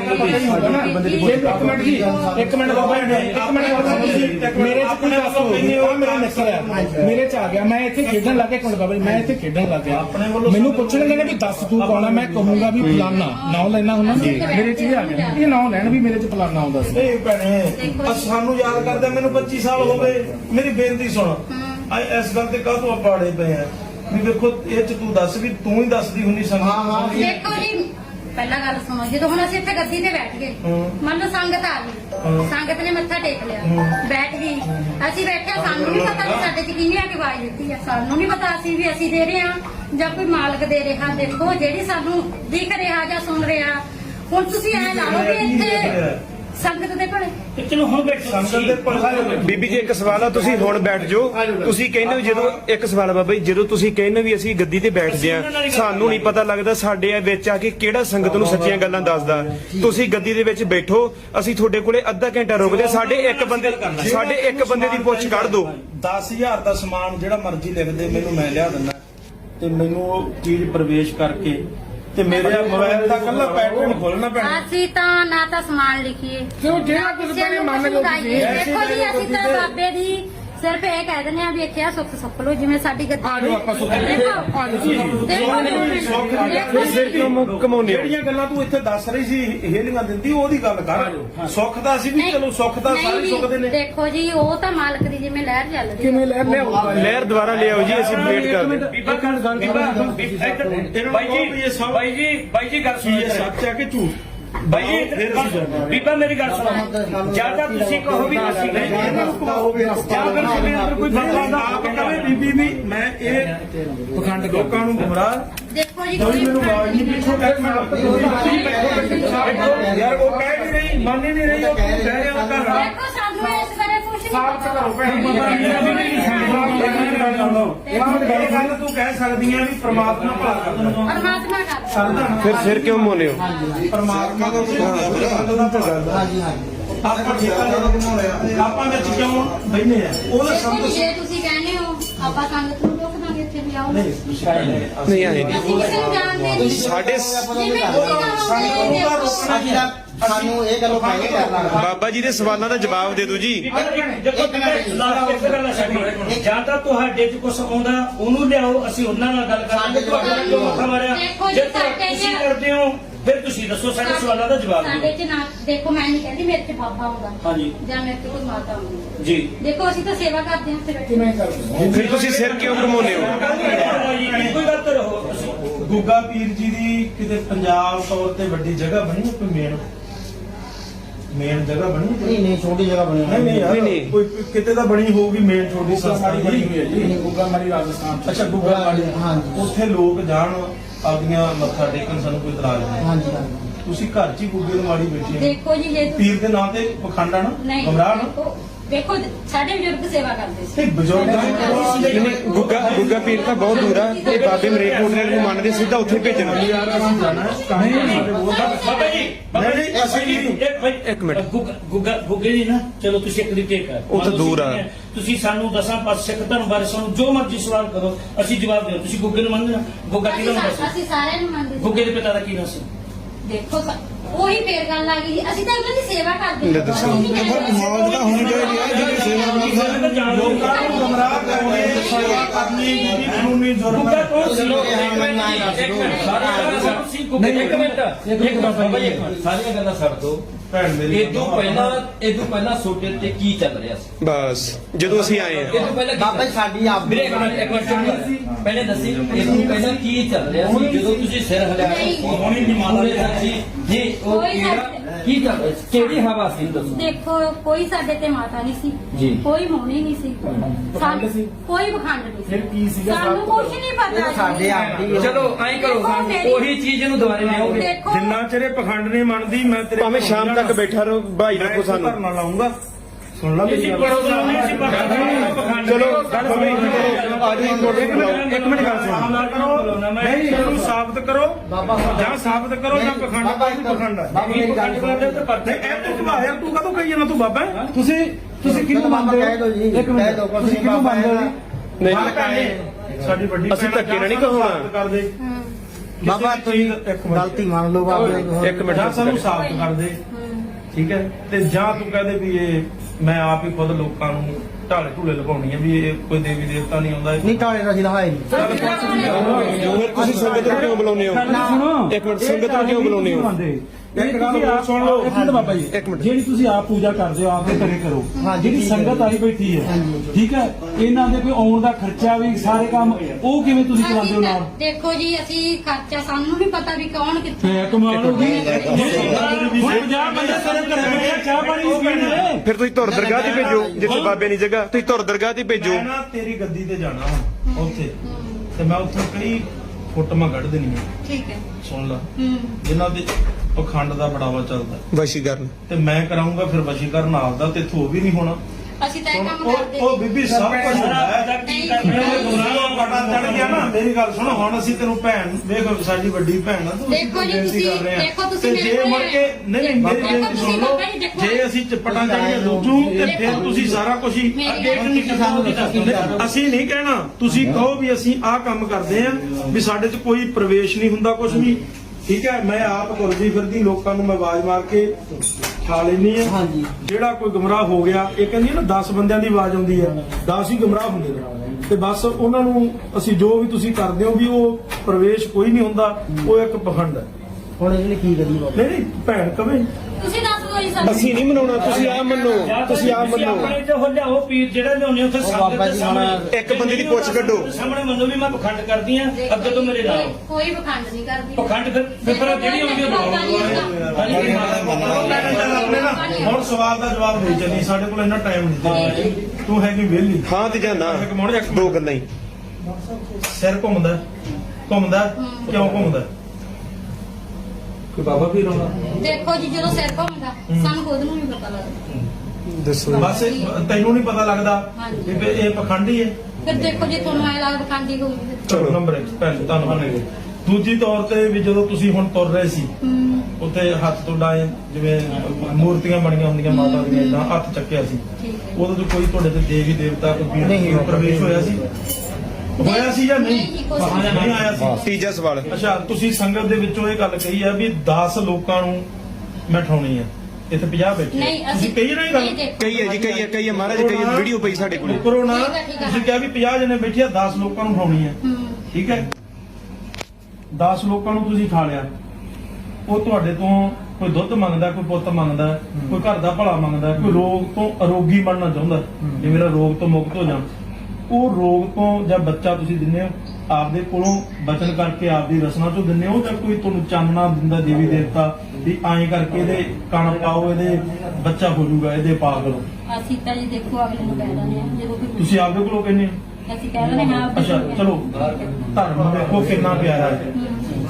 S6: ਇੱਕ ਮਿੰਟ ਬਾਬਾ ਮੇਰੇ ਚ ਕੋਈ ਦੱਸੋ ਮੇਰਾ ਨਿਕਲ ਆ ਮੇਰੇ ਚ ਆ ਗਿਆ ਮੈਂ ਇੱਥੇ ਖੇਡਣ ਲੱਗ ਗਿਆ ਇੱਕ ਮਿੰਟ ਬਾਬਾ ਜੀ ਮੈਂ ਇੱਥੇ ਖੇਡਣ ਲੱਗ ਗਿਆ ਮੈਨੂੰ ਪੁੱਛਣਗੇ ਵੀ ਦੱਸ ਤੂੰ ਕੌਣ ਆ ਮੈਂ ਕਹੂੰਗਾ ਵੀ ਫਲਾਨਾ ਨਾਂ ਲੈਣਾ ਹੁੰਦਾ ਮੇਰੇ ਚ ਇਹ ਆ ਗਿਆ ਇਹ ਨਾਂ ਲੈਣ ਵੀ ਮੇਰੇ ਚ ਫਲਾਨਾ ਆਉਂਦਾ ਸੀ
S4: ਇਹ ਭੈਣੇ ਸਾਨੂੰ ਯਾਦ ਕਰਦੇ ਮੈਨੂੰ 25 ਸਾਲ ਹੋ ਗਏ ਮੇਰੀ ਬੇਨਤੀ ਸੁਣ ਇਸ ਗੱਲ ਤੇ ਕਾਹਤੋਂ ਆਪਾੜੇ ਪਏ ਆ ਵੀ ਵੇਖੋ ਇਹ ਚ ਤੂੰ ਦੱਸ ਵੀ ਤੂੰ ਹੀ ਦੱਸਦੀ ਹੁੰਦੀ ਸੰਗਤ
S2: ਦੇਖੋ ਜੀ ਪਹਿਲਾਂ ਗੱਲ ਸੁਣੋ ਜਦੋਂ ਹੁਣ ਅਸੀਂ ਇੱਥੇ ਗੱਦੀ ਤੇ ਬੈਠ ਗਏ ਮੰਨ ਲਓ ਸੰਗਤ ਆ ਗਈ ਸੰਗਤ ਨੇ ਮੱਥਾ ਟੇਕ ਲਿਆ ਬੈਠ ਗਈ ਅਸੀਂ ਬੈਠੇ ਸਾਨੂੰ ਨਹੀਂ ਪਤਾ ਕਿ ਸਾਡੇ ਚ ਕਿਹਨੇ ਆ ਕੇ ਆਵਾਜ਼ ਦਿੱਤੀ ਆ ਸਾਨੂੰ ਨਹੀਂ ਪਤਾ ਅਸੀਂ ਵੀ ਅਸੀਂ ਦੇ ਰਹੇ ਹਾਂ ਜਾਂ ਕੋਈ ਮਾਲਕ ਦੇ ਰਿਹਾ ਦੇਖੋ ਜਿਹੜੀ ਸਾਨੂੰ ਦਿਖ ਰਿਹਾ ਜਾਂ ਸੁਣ ਰਿਹਾ ਹੁਣ ਤੁਸੀਂ ਐ ਲਾ ਲਓ ਵੀ ਇੱਥੇ ਸੰਗਤ ਦੇ ਭਲੇ
S1: ਚਲੋ ਹੁਣ ਬੈਠੋ
S4: ਸੰਗਤ ਦੇ ਭਲੇ
S3: ਬੀਬੀ ਜੀ ਇੱਕ ਸਵਾਲ ਆ ਤੁਸੀਂ ਹੁਣ ਬੈਠ ਜਾਓ ਤੁਸੀਂ ਕਹਿੰਦੇ ਹੋ ਜਦੋਂ ਇੱਕ ਸਵਾਲ ਆ ਬਾਬਾ ਜੀ ਜਦੋਂ ਤੁਸੀਂ ਕਹਿੰਦੇ ਵੀ ਅਸੀਂ ਗੱਦੀ ਤੇ ਬੈਠਦੇ ਆ ਸਾਨੂੰ ਨਹੀਂ ਪਤਾ ਲੱਗਦਾ ਸਾਡੇ ਵਿੱਚ ਆ ਕੇ ਕਿਹੜਾ ਸੰਗਤ ਨੂੰ ਸੱਚੀਆਂ ਗੱਲਾਂ ਦੱਸਦਾ ਤੁਸੀਂ ਗੱਦੀ ਦੇ ਵਿੱਚ ਬੈਠੋ ਅਸੀਂ ਤੁਹਾਡੇ ਕੋਲੇ ਅੱਧਾ ਘੰਟਾ ਰੁਕਦੇ ਸਾਡੇ ਇੱਕ ਬੰਦੇ ਦੀ ਪੁੱਛ ਕੱਢ ਦਿਓ
S4: 10000 ਦਾ ਸਮਾਨ ਜਿਹੜਾ ਮਰਜ਼ੀ ਲਿਖ ਦੇ ਮੈਨੂੰ ਮੈਂ ਲਿਆ ਦਿੰਦਾ ਤੇ ਮੈਨੂੰ ਉਹ ਚੀਜ਼ ਪ੍ਰਵੇਸ਼ ਕਰਕੇ ਤੇ ਮੇਰੇ ਮੋਬਾਈਲ ਦਾ ਕੱਲਾ ਪੈਟਰਨ ਖੋਲਣਾ ਪੈਣਾ
S2: ਅਸੀਂ ਤਾਂ ਨਾ ਤਾਂ ਸਮਾਨ ਲਿਖੀਏ
S6: ਕਿਉਂ ਜਿਹੜਾ ਕੁਝ ਬਣੇ ਮੰਨ ਲਓ ਤੁਸੀਂ
S2: ਦੇਖੋ ਜੀ ਅਸੀਂ ਤਾਂ ਬਾਬੇ ਦੀ ਸਿਰਫ ਇਹ ਕਹਿ ਦਿੰਦੇ ਆ ਵੀ ਇੱਥੇ ਆ ਸੁੱਖ ਸੁੱਖ ਲੋ ਜਿਵੇਂ ਸਾਡੀ ਗੱਦੀ
S6: ਆ ਜਾਓ ਆਪਾਂ ਸੁੱਖ
S4: ਜਿਹੜੀਆਂ ਗੱਲਾਂ ਤੂੰ ਇੱਥੇ ਦੱਸ ਰਹੀ ਸੀ ਹੇਲੀਆਂ ਦਿੰਦੀ ਉਹਦੀ ਗੱਲ ਕਰ ਸੁੱਖ ਦਾ ਸੀ ਵੀ ਚਲੋ ਸੁੱਖ ਦਾ ਸਾਰੇ ਸੁੱਖ ਦੇ ਨੇ
S2: ਦੇਖੋ ਜੀ ਉਹ ਤਾਂ ਮਾਲਕ ਦੀ ਜਿਵੇਂ ਲਹਿਰ ਚੱਲ ਰਹੀ
S6: ਕਿਵੇਂ ਲੈ ਲਿਆਓ
S3: ਲਹਿਰ ਦੁਬਾਰਾ ਲਿਆਓ ਜੀ ਅਸੀਂ ਵੇਟ ਕਰਦੇ
S1: ਬਾਈ ਜੀ ਗੱਲ ਸੁਣੋ
S4: ਇਹ ਸੱਚ ਹੈ ਕਿ ਝੂਠ
S1: ਬਾਈ ਜੀ ਬੀਬਾ ਮੇਰੀ ਗੱਲ ਸੁਣੋ ਜਿਆਦਾ ਤੁਸੀਂ ਕਹੋ ਵੀ ਅਸੀਂ ਗਏ ਜਾਂ ਫਿਰ ਤੁਹਾਡੇ ਅੰਦਰ ਕੋਈ ਬੰਦਾ ਦਾ
S4: ਆਪ ਕਹੇ ਬੀਬੀ ਵੀ ਮੈਂ ਇਹ ਪਖੰਡ ਲੋਕਾਂ ਨੂੰ ਗੁੰਮਰਾਹ
S2: ਦੇਖੋ ਜੀ
S4: ਕੋਈ ਮੈਨੂੰ ਆਵਾਜ਼ ਨਹੀਂ ਪਿੱਛੋਂ ਕਹਿ ਯਾਰ ਉਹ ਕਹਿ ਨਹੀਂ ਰਹੀ ਮੰਨ ਹੀ ਨਹੀਂ ਰਹੀ ਉਹ ਕਹਿ ਰਿਹਾ ਕਰ
S2: ਦੇਖੋ ਸਾਨੂੰ ਇਸ ਬਾਰੇ ਕੁਝ ਨਹੀਂ
S4: ਇਹ ਗੱਲ ਤੂੰ ਕਹਿ ਸਕਦੀ ਆ ਵੀ ਪ੍ਰਮਾਤਮਾ ਭਲਾ ਕਰਦਾ
S2: ਪਰਮਾਤਮਾ ਕਰਦਾ
S3: ਫਿਰ ਸਿਰ ਕਿਉਂ ਮੋਨੇ ਹੋ
S4: ਪਰਮਾਤਮਾ ਦਾ
S5: ਹਾਂਜੀ ਹਾਂਜੀ
S4: ਆਪਾਂ ਠੇਕਾ ਜਦੋਂ ਬਣਾਉਣਾ ਆਪਾਂ ਵਿੱਚ ਕਿਉਂ ਬੈਠੇ ਆ ਉਹਦਾ
S2: ਦੇਖੋ
S4: ਸਭ
S2: ਜੀ, ਜੇ ਤੁਸੀਂ ਕਹਿੰਦੇ ਹੋ ਆਪਾਂ ਸੰਗਤ ਨੂੰ ਰੋਕ ਦਾਂਗੇ ਇੱਥੇ ਵੀ ਆਓ
S3: ਨਹੀਂ ਆਏ ਨਹੀਂ
S2: ਅਸੀਂ ਕਿਸੇ ਨੂੰ ਜਾਣਦੇ ਨਹੀਂ
S3: ਸਾਡੇ
S2: ਜਿਵੇਂ ਤੁਸੀਂ ਕਹੋਗੇ
S5: ਸਾਨੂੰ ਇਹ ਗੱਲੋਂ ਫਾਇਦਾ ਕਰਨਾ
S3: ਬਾਬਾ ਜੀ ਦੇ ਸਵਾਲਾਂ ਦਾ ਜਵਾਬ ਦੇ ਦਿਓ ਜੀ
S1: ਜਾਂ ਤਾਂ ਤੁਹਾਡੇ ਚ ਕੁਛ ਆਉਂਦਾ ਉਹਨੂੰ ਲਿਆਓ ਅਸੀਂ ਉਹਨਾਂ ਨਾਲ ਗੱਲ ਕਰਾਂਗੇ ਤੁਹਾਡੇ ਨਾਲ ਜੋ ਮੱਥਾ ਮਾਰਿਆ ਜੇ ਤੁਸੀਂ ਕਰਦੇ ਹੋ ਫਿਰ ਤੁਸੀਂ ਦੱਸੋ ਸਾਡੇ ਸਵਾਲਾਂ ਦਾ ਜਵਾਬ
S2: ਸਾਡੇ
S1: ਦਿਓ
S2: ਚ ਨਾ ਦੇਖੋ ਮੈਂ ਨਹੀਂ ਕਹਿੰਦੀ ਮੇਰੇ ਚ ਬਾਬਾ ਆਉਂਦਾ
S1: ਹਾਂਜੀ
S2: ਜਾਂ ਮੇਰੇ ਚ ਕੋਈ ਮਾਤਾ ਆਉਂਦੀ
S1: ਜੀ
S2: ਦੇਖੋ ਅਸੀਂ ਤਾਂ ਸੇਵਾ ਕਰਦੇ ਹਾਂ ਫਿਰ
S6: ਕਿਵੇਂ ਕਰਦੇ
S3: ਫਿਰ ਤੁਸੀਂ ਸਿਰ ਕਿਉਂ ਘਮਾਉਂਦੇ ਹੋ
S1: ਕੋਈ ਗੱਲ ਤਾਂ ਰਹੋ
S4: ਗੁੱਗਾ ਪੀਰ ਜੀ ਦੀ ਕਿਤੇ ਪੰਜਾਬ ਤੌਰ ਤੇ ਵੱਡੀ ਜਗ੍ਹਾ ਬਣੀ ਕੋਈ ਮੇਨ ਜਗ੍ਹਾ ਬਣੀ
S5: ਨਹੀਂ ਨਹੀਂ ਛੋਟੀ ਜਗ੍ਹਾ ਬਣੀ
S4: ਨਹੀਂ ਨਹੀਂ ਯਾਰ
S3: ਨਹੀਂ।
S4: ਕੋਈ ਕਿਤੇ ਤਾਂ ਬਣੀ ਹੋਊਗੀ ਮੇਨ ਛੋਟੀ ਸੰਸਥਾ
S6: ਬਣੀ
S4: ਜੀ
S6: ਹੋਈ ਹੈ ਜੀ ਗੁੱਗਾ ਮਾਰੀ ਰਾਜਸਥਾਨ
S4: ਅੱਛਾ ਗੁੱਗਾ ਮਾੜੀ
S5: ਹਾਂਜੀ।
S4: ਉੱਥੇ ਲੋਕ ਜਾਣ ਆਪਦੀਆਂ ਮੱਥਾ ਟੇਕਣ, ਸਾਨੂੰ ਕੋਈ ਇਤਰਾਜ਼ ਨਹੀਂ।
S5: ਹਾਂਜੀ ਹਾਂਜੀ
S4: ਤੁਸੀਂ ਘਰ 'ਚ ਹੀ ਗੁੱਗੇ ਨੂੰ ਮਾੜੀ ਬੈਠੇ ਹੋ।
S2: ਦੇਖੋ ਜੀ ਜੇ ਤੁਸੀਂ
S4: ਪੀਰ ਦੇ ਨਾਂ ਤੇ ਪਖੰਡ ਆ ਨਾ,
S2: ਨਹੀਂ
S4: ਗਮਰਾਹ ਨਾ।
S2: ਦੇਖੋ ਸਾਡੇ ਬਜ਼ੁਰਗ ਸੇਵਾ ਕਰਦੇ ਸੀ।
S4: ਇਹ ਬਜ਼ੁਰਗ
S3: ਗੁੱਗਾ ਪੀਰ ਤਾਂ ਬਹੁਤ ਦੂਰ ਆ, ਇਹ ਬਾਬੇ ਮਰੇਕੋਟਲੇ ਨੂੰ ਮੰਨਦੇ, ਸਿੱਧਾ ਉੱਥੇ ਭੇਜਣਾ। ਇੱਕ ਮਿੰਟ।
S1: ਗੁੱਗੇ ਦੀ ਨਾ ਚਲੋ ਤੁਸੀਂ ਇੱਕ ਦੀ ਟੇਕ ਕਰ,
S3: ਉਹ ਤਾਂ ਦੂਰ ਆ।
S1: ਤੁਸੀਂ ਸਾਨੂੰ 10 ਪਾਸ ਸਿੱਖ ਧਰਮ ਬਾਰੇ ਸਾਨੂੰ ਜੋ ਮਰਜ਼ੀ ਸਵਾਲ ਕਰੋ, ਅਸੀਂ ਜਵਾਬ ਦਿਓ। ਤੁਸੀਂ ਗੁੱਗੇ ਨੂੰ ਮੰਨਦੇ ਹੋ? ਗੁੱਗਾ ਕਿਹਦਾ ਹੁੰਦਾ ਸੀ?
S2: ਅਸੀਂ ਸਾਰਿਆਂ ਨੂੰ ਮੰਨਦੇ ਸੀ।
S1: ਗੁੱਗੇ ਦੇ ਪਿਤਾ ਦਾ ਕੀ ਨਾਮ ਸੀ?
S2: ਦੇਖੋ ਉਹੀ ਫੇਰ ਗੱਲ ਆ ਗਈ, ਅਸੀਂ ਤਾਂ ਉਹਨਾਂ ਦੀ ਸੇਵਾ ਕਰਦੇ
S3: ਲੈ ਦੱਸੋ।
S4: ਮੌਜ ਤਾਂ ਹੋਣੀ ਚਾਹੀਦੀ ਹੈ ਜਿਹੜੀ ਸੇਵਾ ਲੋਕਾਂ ਨੂੰ ਗਮਰਾਹ ਕਰਕੇ ਸੇਵਾ ਕਰਨੀ ਵੀ ਕਾਨੂੰਨੀ ਜੁਰਮ
S1: ਗੁੱਗਾ
S4: ਹੈ।
S1: ਕੌਣ ਸੀ?
S7: ਸਾਰੀਆਂ ਗੱਲਾਂ ਛੱਡ ਦੋ।
S4: ਭੈਣ ਮੇਰੀ
S7: ਇਹ ਤੋਂ ਪਹਿਲਾਂ ਸੋਡੇ ਤੇ ਕੀ ਚੱਲ ਰਿਹਾ ਸੀ?
S3: ਬਸ ਜਦੋਂ ਅਸੀਂ ਆਏ
S7: ਇਹ
S3: ਆ
S7: ਤੋਂ ਪਹਿਲਾਂ
S5: ਬਾਬਾ ਜੀ ਸਾਡੀ ਆਪ
S7: ਵੀਰੇ ਇੱਕ ਮਿੰਟ ਪਹਿਲੇ ਦੱਸੀ ਇਹ ਤੋਂ ਪਹਿਲਾਂ ਕੀ ਚੱਲ ਰਿਹਾ ਸੀ ਜਦੋਂ ਤੁਸੀਂ ਸਿਰ ਹਿਲਾਇਆ ਸੀ?
S4: ਹੋਣੀ ਨਹੀਂ ਮਾਤਾ
S7: ਜੀ ਜੀ ਉਹ
S2: ਕੋਈ
S7: ਕਿਹੜਾ ਕੀ ਚੱਲ ਰਿਹਾ ਸੀ? ਕਿਹੜੀ ਹਵਾ ਸੀ ਦੱਸੋ?
S2: ਦੇਖੋ ਕੋਈ ਸਾਡੇ ਤੇ ਮਾਤਾ ਨਹੀਂ ਸੀ,
S7: ਜੀ।
S2: ਕੋਈ ਹੋਣੀ ਨਹੀਂ ਸੀ, ਸਾਨੂੰ ਕੋਈ ਬਖੰਡ ਨਹੀਂ ਸੀ।
S6: ਫਿਰ ਕੀ ਸੀਗਾ?
S2: ਸਾਨੂੰ ਕੁਝ ਨਹੀਂ ਪਤਾ
S5: ਸਾਡੇ ਆਪ ਦੀ
S7: ਚਲੋ ਐਂ ਕਰੋ ਉਹੀ ਚੀਜ਼ ਨੂੰ ਦੁਬਾਰੇ ਲਿਆਓਗੇ।
S2: ਦੇਖੋ
S4: ਜਿੰਨਾ ਚਿਰ ਪਖੰਡ ਨਹੀਂ ਮੰਨਦੀ ਮੈਂ ਤੇਰੇ
S3: ਭਾਵੇਂ ਸ਼ਾਮ ਤੱਕ ਬੈਠਾ ਰਹੋ, ਭਾਈ ਰੱਖੋ ਸਾਨੂੰ।
S4: ਧਰਨਾ ਲਾਉਂਗਾ। ਸੁਣ ਲਾ ਮੇਰੀ ਗੱਲ।
S3: ਚਲੋ ਇੱਕ ਮਿੰਟ ਗੱਲ ਸੁਣੋ।
S4: ਨਹੀਂ ਇਹਨੂੰ ਸਾਬਤ ਕਰੋ, ਜਾਂ ਸਾਬਤ ਕਰੋ ਜਾਂ ਪਖੰਡ ਦਾ ਹੀ ਪਖੰਡ ਹੈ।
S5: ਬਾਬਾ ਮੇਰੀ ਗੱਲ ਸੁਣੋ।
S4: ਨਹੀਂ ਇਹ ਤੂੰ ਘਵਾਇਆ, ਤੂੰ ਕਾਹਤੋਂ ਕਹੀ ਜਾਂਦਾ ਤੂੰ ਬਾਬਾ ਹੈ?
S6: ਤੁਸੀਂ ਕਿਹਨੂੰ ਮੰਨਦੇ
S5: ਕਹਿ ਦਿਓ ਜੀ,
S6: ਹੋ? ਇੱਕ ਮਿੰਟ,
S5: ਕਹਿ ਦਿਓ,
S6: ਤੁਸੀਂ ਕਿਹਨੂੰ ਮੰਨਦੇ ਹੋ?
S3: ਨਹੀਂ
S4: ਸਾਡੀ ਵੱਡੀ
S3: ਅਸੀਂ
S4: ਭੈਣ
S3: ਧੱਕੇ ਨਾਲ ਨਹੀਂ ਕਹਾਉਣਾ।
S4: ਸਾਬਤ ਕਰ ਦੇ।
S5: ਬਾਬਾ ਤੁਸੀਂ
S4: ਇੱਕ ਮਿੰਟ।
S5: ਗਲਤੀ ਮੰਨ ਲਓ ਬਾਬਾ
S3: ਇੱਕ ਮਿੰਟ
S4: ਜਾਂ ਸਾਨੂੰ ਸਾਬਤ ਕਰ ਦੇ, ਠੀਕ ਹੈ, ਤੇ ਜਾਂ ਤੂੰ ਕਹਦੇ ਵੀ ਇਹ ਮੈਂ ਆਪ ਹੀ ਖੁਦ ਲੋਕਾਂ ਨੂੰ ਢਾਲੇ ਢੂਲੇ ਲਗਾਉਣੀ ਹੈ ਵੀ ਇਹ ਕੋਈ ਦੇਵੀ ਦੇਵਤਾ ਨਹੀਂ ਆਉਂਦਾ।
S5: ਨਹੀਂ ਟਾਲੇ ਦਾ ਸਿਲਾ ਹੈ ਨਹੀਂ
S3: ਫਿਰ ਤੁਸੀਂ ਸੰਗਤ ਨੂੰ ਕਿਉਂ ਬੁਲਾਉਂਦੇ ਹੋ? ਇੱਕ ਮਿੰਟ, ਸੰਗਤ ਨੂੰ ਕਿਉਂ ਬੁਲਾਉਂਦੇ ਹੋ?
S6: ਇੱਕ ਗੱਲ ਹੋਰ ਸੁਣ ਲਓ। ਇੱਕ ਮਿੰਟ ਬਾਬਾ ਜੀ,
S3: ਇੱਕ ਮਿੰਟ।
S6: ਜਿਹੜੀ ਤੁਸੀਂ ਆਪ ਪੂਜਾ ਕਰਦੇ ਹੋ ਆਪਦੇ ਘਰੇ ਕਰੋ।
S5: ਹਾਂਜੀ,
S6: ਜਿਹੜੀ
S5: ਠੀਕ ਹੈ।
S6: ਸੰਗਤ ਆਈ ਬੈਠੀ ਹੈ, ਠੀਕ ਹੈ, ਇਹਨਾਂ ਦੇ ਕੋਈ ਆਉਣ ਦਾ ਖਰਚਾ ਵੀ ਸਾਰੇ ਕੰਮ ਉਹ ਕਿਵੇਂ ਤੁਸੀਂ ਚਲਾਉਂਦੇ ਹੋ ਨਾਲ?
S2: ਦੇਖੋ ਜੀ ਅਸੀਂ ਖਰਚਾ ਸਾਨੂੰ ਨਹੀਂ ਪਤਾ ਵੀ ਕੌਣ ਕਿੱਥੇ
S6: ਤੇ ਕਮਾਲ ਹੋ ਗਈ। ਹੁਣ 50 ਬੰਦੇ ਸਾਰੇ ਘਰੇ ਬੈਠੇ ਆ, ਚਾਹ ਪਾਣੀ ਪੀ ਰਹੇ ਨੇ।
S3: ਫਿਰ ਤੁਸੀਂ ਧੁਰ ਦਰਗਾਹ ਤੇ ਭੇਜੋ, ਜਿੱਥੇ ਬਾਬੇ ਦੀ ਜਗ੍ਹਾ, ਤੁਸੀਂ ਧੁਰ ਦਰਗਾਹ ਤੇ ਭੇਜੋ।
S4: ਮੈਂ ਨਾ ਤੇਰੀ ਗੱਦੀ ਤੇ ਜਾਣਾ ਹੁਣ ਉੱਥੇ, ਤੇ ਮੈਂ ਉੱਥੇ ਕਈ ਫੋਟੋਆਂ ਕੱਢ ਦੇਣੀਆਂ।
S2: ਠੀਕ ਹੈ।
S4: ਸੁਣ ਲਾ, ਜਿਨ੍ਹਾਂ ਦੇ ਪਖੰਡ ਦਾ ਬੜਾਵਾ ਚੱਲਦਾ,
S3: ਵਸ਼ੀਕਰਨ।
S4: ਤੇ ਮੈਂ ਕਰਾਉਂਗਾ ਫਿਰ ਵਸ਼ੀਕਰਨ ਆਪਦਾ, ਤੇ ਇੱਥੋਂ ਉਹ ਵੀ ਨਹੀਂ ਹੋਣਾ।
S2: ਅਸੀਂ ਤਾਂ ਇਹ ਕੰਮ
S4: ਉਹ
S2: ਕਰਦੇ
S4: ਉਹ ਬੀਬੀ ਸਭ ਕੁਝ ਹੁੰਦਾ ਹੈ। ਪਤਾ ਚੜ ਗਿਆ ਨਾ। ਮੇਰੀ ਗੱਲ ਸੁਣੋ, ਹੁਣ ਅਸੀਂ ਤੈਨੂੰ ਭੈਣ ਵੇਖ, ਸਾਡੀ ਵੱਡੀ ਭੈਣ ਆ, ਤੂੰ
S2: ਦੇਖੋ ਜੀ,
S4: ਬੇਨਤੀ
S2: ਤੁਸੀਂ-
S4: ਕਰ ਰਹੇ ਆ।
S2: ਦੇਖੋ ਤੁਸੀਂ
S4: ਤੇ ਜੇ
S2: ਮੇਰੇ
S4: ਮੁੜ ਕੇ ਨਹੀਂ ਮੇਰੀ
S2: ਦੇਖੋ
S4: ਬੇਨਤੀ
S2: ਤੁਸੀਂ
S4: ਸੁਣ ਲਓ,
S2: ਬਾਬਾ ਜੀ ਦੇਖੋ।
S4: ਜੇ ਅਸੀਂ ਚਪਟਾਂ ਚੜੀਆਂ ਦੂਜੂ ਤੇ ਫਿਰ ਤੁਸੀਂ ਸਾਰਾ ਕੁਝ ਹੀ ਅਸੀਂ ਨਹੀਂ ਕਹਿਣਾ, ਤੁਸੀਂ ਕਹੋ ਵੀ ਅਸੀਂ ਆਹ ਕੰਮ ਕਰਦੇ ਆ, ਵੀ ਸਾਡੇ 'ਚ ਕੋਈ ਪ੍ਰਵੇਸ਼ ਨਹੀਂ ਹੁੰਦਾ ਕੁਝ ਵੀ, ਠੀਕ ਹੈ। ਮੈਂ ਆਪ ਤੁਰਦੀ ਫਿਰਦੀ ਲੋਕਾਂ ਨੂੰ ਮੈਂ ਆਵਾਜ਼ ਮਾਰ ਕੇ ਖਾ ਲੈਣੀ ਆ।
S5: ਹਾਂਜੀ
S4: ਜਿਹੜਾ ਕੋਈ ਗੁੰਮਰਾਹ ਹੋ ਗਿਆ, ਇਹ ਕਹਿੰਦੀ ਨਾ 10 ਬੰਦਿਆਂ ਦੀ ਆਵਾਜ਼ ਆਉਂਦੀ ਆ, 10 ਹੀ ਗੁੰਮਰਾਹ ਹੁੰਦੇ ਨੇ, ਤੇ ਬਸ ਉਹਨਾਂ ਨੂੰ ਅਸੀਂ ਜੋ ਵੀ ਤੁਸੀਂ ਕਰਦੇ ਹੋ ਵੀ ਉਹ ਪ੍ਰਵੇਸ਼ ਕੋਈ ਨਹੀਂ ਹੁੰਦਾ, ਉਹ ਇੱਕ ਪਖੰਡ ਹੈ।
S5: ਹੁਣ ਇਹਨੇ ਕੀ ਕਰੀ ਬਾਬਾ?
S4: ਨਹੀਂ ਭੈਣ ਕਵੇ
S2: ਤੁਸੀਂ ਦੱਸ ਦਿਓ ਜੀ ਸਾਨੂੰ।
S3: ਅਸੀਂ ਨਹੀਂ ਮਨਾਉਣਾ, ਤੁਸੀਂ ਆਪ ਮੰਨੋ, ਤੁਸੀਂ ਆਪ ਮੰਨੋ।
S1: ਆਪਣੇ ਜੋ ਲਿਆਓ ਪੀਰ ਜਿਹੜਾ ਲਿਆਉਂਦੇ ਉੱਥੇ
S5: ਬਾਬਾ ਜੀ
S1: ਸਾਹਮਣੇ
S3: ਇੱਕ ਬੰਦੇ ਦੀ ਪੁੱਛ ਕੱਢੋ।
S1: ਸਾਹਮਣੇ ਮੰਨੋ ਵੀ ਮੈਂ ਪਖੰਡ ਕਰਦੀ ਆ, ਅੱਗੇ ਤੋਂ ਮੇਰੇ ਨਾਲ
S2: ਕੋਈ ਬਖੰਡ ਨਹੀਂ ਕਰਦੀ।
S1: ਪਖੰਡ ਫਿਰ ਜਿਹੜੀ ਆਉਂਦੀ ਉਹ
S4: ਹੁਣ ਸਵਾਲ ਦਾ ਜਵਾਬ ਹੋਈ ਚੱਲੀ, ਸਾਡੇ ਕੋਲ ਇੰਨਾ ਟਾਈਮ ਨਹੀਂ। ਤੂੰ ਹੈਗੀ ਵਿਹਲੀ,
S3: ਹਾਂ ਤੇ ਜਾਂ ਨਾ, ਦੋ ਗੱਲਾਂ ਹੀ।
S4: ਸਿਰ ਘੁੰਮਦਾ ਕਿਉਂ ਘੁੰਮਦਾ?
S7: ਕੋਈ ਬਾਬਾ ਵੀ ਰੋਣਾ
S2: ਦੇਖੋ ਜੀ ਜਦੋਂ ਸਿਰ ਘੁੰਮਦਾ ਸਾਨੂੰ ਖੁਦ ਨੂੰ ਨਹੀਂ ਪਤਾ ਲੱਗਦਾ।
S3: ਦੱਸੋ।
S4: ਬਸ ਤੈਨੂੰ ਨਹੀਂ ਪਤਾ ਲੱਗਦਾ
S2: ਹਾਂਜੀ।
S4: ਵੀ ਇਹ ਪਖੰਡੀ ਹੈ।
S2: ਫਿਰ ਦੇਖੋ ਜੀ ਤੁਹਾਨੂੰ ਐ ਲੱਗਦਾ ਬਖੰਡੀ ਹੋਊਗੀ।
S4: ਚਲੋ ਨੰਬਰ 1 ਭੈਣ ਤੁਹਾਨੂੰ ਮੰਨੇਗੇ। ਦੂਜੀ ਤੌਰ ਤੇ ਵੀ ਜਦੋਂ ਤੁਸੀਂ ਹੁਣ ਤੁਰ ਰਹੇ ਸੀ, ਉੱਥੇ ਹੱਥ ਤੋਂ ਡਾਏ ਜਿਵੇਂ ਮੂਰਤੀਆਂ ਬਣੀਆਂ ਹੁੰਦੀਆਂ ਮਾਤਾ ਦੀਆਂ, ਇਦਾਂ ਹੱਥ ਚੱਕਿਆ ਸੀ,
S2: ਠੀਕ ਹੈ।
S4: ਉਦੋਂ ਤੋਂ ਕੋਈ ਤੁਹਾਡੇ ਤੇ ਦੇਵੀ ਦੇਵਤਾ ਕੋਈ
S5: ਨਹੀਂ
S4: ਪ੍ਰਵੇਸ਼ ਹੋਇਆ ਸੀ? ਹੋਇਆ ਸੀ ਜਾਂ ਨਹੀਂ?
S2: ਨਹੀਂ, ਕੁਛ
S4: ਨਹੀਂ ਆਇਆ ਸੀ।
S3: ਤੀਜਾ ਸਵਾਲ।
S4: ਅੱਛਾ, ਤੁਸੀਂ ਸੰਗਤ ਦੇ ਵਿੱਚੋਂ ਇਹ ਗੱਲ ਕਹੀ ਆ ਵੀ 10 ਲੋਕਾਂ ਨੂੰ ਮੈਂ ਠਾਉਣੀ ਆ, ਇੱਥੇ 50 ਬੈਠੇ
S2: ਨਹੀਂ
S4: ਤੁਸੀਂ
S2: ਅਸੀਂ
S4: ਕਹੀ ਨਾ ਇਹ ਗੱਲ?
S2: ਨਹੀਂ ਦੇਖੋ।
S3: ਕਈ ਹੈ ਜੀ, ਕਈ ਹੈ ਮਹਾਰਾਜ, ਕਈ ਵੀਡੀਓ ਪਈ ਸਾਡੇ ਕੋਲ।
S4: ਕਰੋ ਨਾ,
S2: ਠੀਕ ਹੈ, ਠੀਕ ਹੈ।
S4: ਤੁਸੀਂ ਕਿਹਾ ਵੀ 50 ਜਣੇ ਬੈਠੇ ਆ, 10 ਲੋਕਾਂ ਨੂੰ ਠਾਉਣੀ ਆ, ਠੀਕ ਹੈ। 10 ਲੋਕਾਂ ਨੂੰ ਤੁਸੀਂ ਖਾ ਲਿਆ, ਉਹ ਤੁਹਾਡੇ ਤੋਂ ਕੋਈ ਦੁੱਧ ਮੰਗਦਾ, ਕੋਈ ਪੁੱਤ ਮੰਗਦਾ, ਕੋਈ ਘਰ ਦਾ ਭਲਾ ਮੰਗਦਾ, ਕੋਈ ਰੋਗ ਤੋਂ ਅਰੋਗੀ ਬਣਨਾ ਚਾਹੁੰਦਾ, ਜੇ ਮੇਰਾ ਰੋਗ ਤੋਂ ਮੁਕਤ ਹੋ ਜਾ। ਉਹ ਰੋਗ ਤੋਂ ਜਾਂ ਬੱਚਾ ਤੁਸੀਂ ਦਿੰਦੇ ਹੋ ਆਪਦੇ ਕੋਲੋਂ ਬਚਨ ਕਰਕੇ, ਆਪਦੀ ਰਸਨਾ ਚੋਂ ਦਿੰਦੇ ਹੋ, ਜਾਂ ਕੋਈ ਤੁਹਾਨੂੰ ਚਾਨਣਾ ਦਿੰਦਾ ਦੇਵੀ ਦੇਵਤਾ ਵੀ ਐਂ ਕਰਕੇ ਇਹਦੇ ਕਣ ਪਾਓ, ਇਹਦੇ ਬੱਚਾ ਹੋ ਜਾਊਗਾ, ਇਹਦੇ ਪਾ ਕਰੋ?
S2: ਅਸੀਂ ਤਾਂ ਜੀ ਦੇਖੋ ਅਗਲੇ ਨੂੰ ਕਹਿ ਦਿੰਦੇ ਆ ਜਦੋਂ ਕੋਈ
S4: ਤੁਸੀਂ ਆਪਦੇ ਕੋਲੋਂ ਕਹਿੰਦੇ ਹੋ?
S2: ਅਸੀਂ ਕਹਿ ਦਿੰਦੇ ਹਾਂ
S4: ਅੱਛਾ ਚਲੋ, ਧਰਮ ਦੇਖੋ ਕਿੰਨਾ ਪਿਆਰਾ ਹੈ,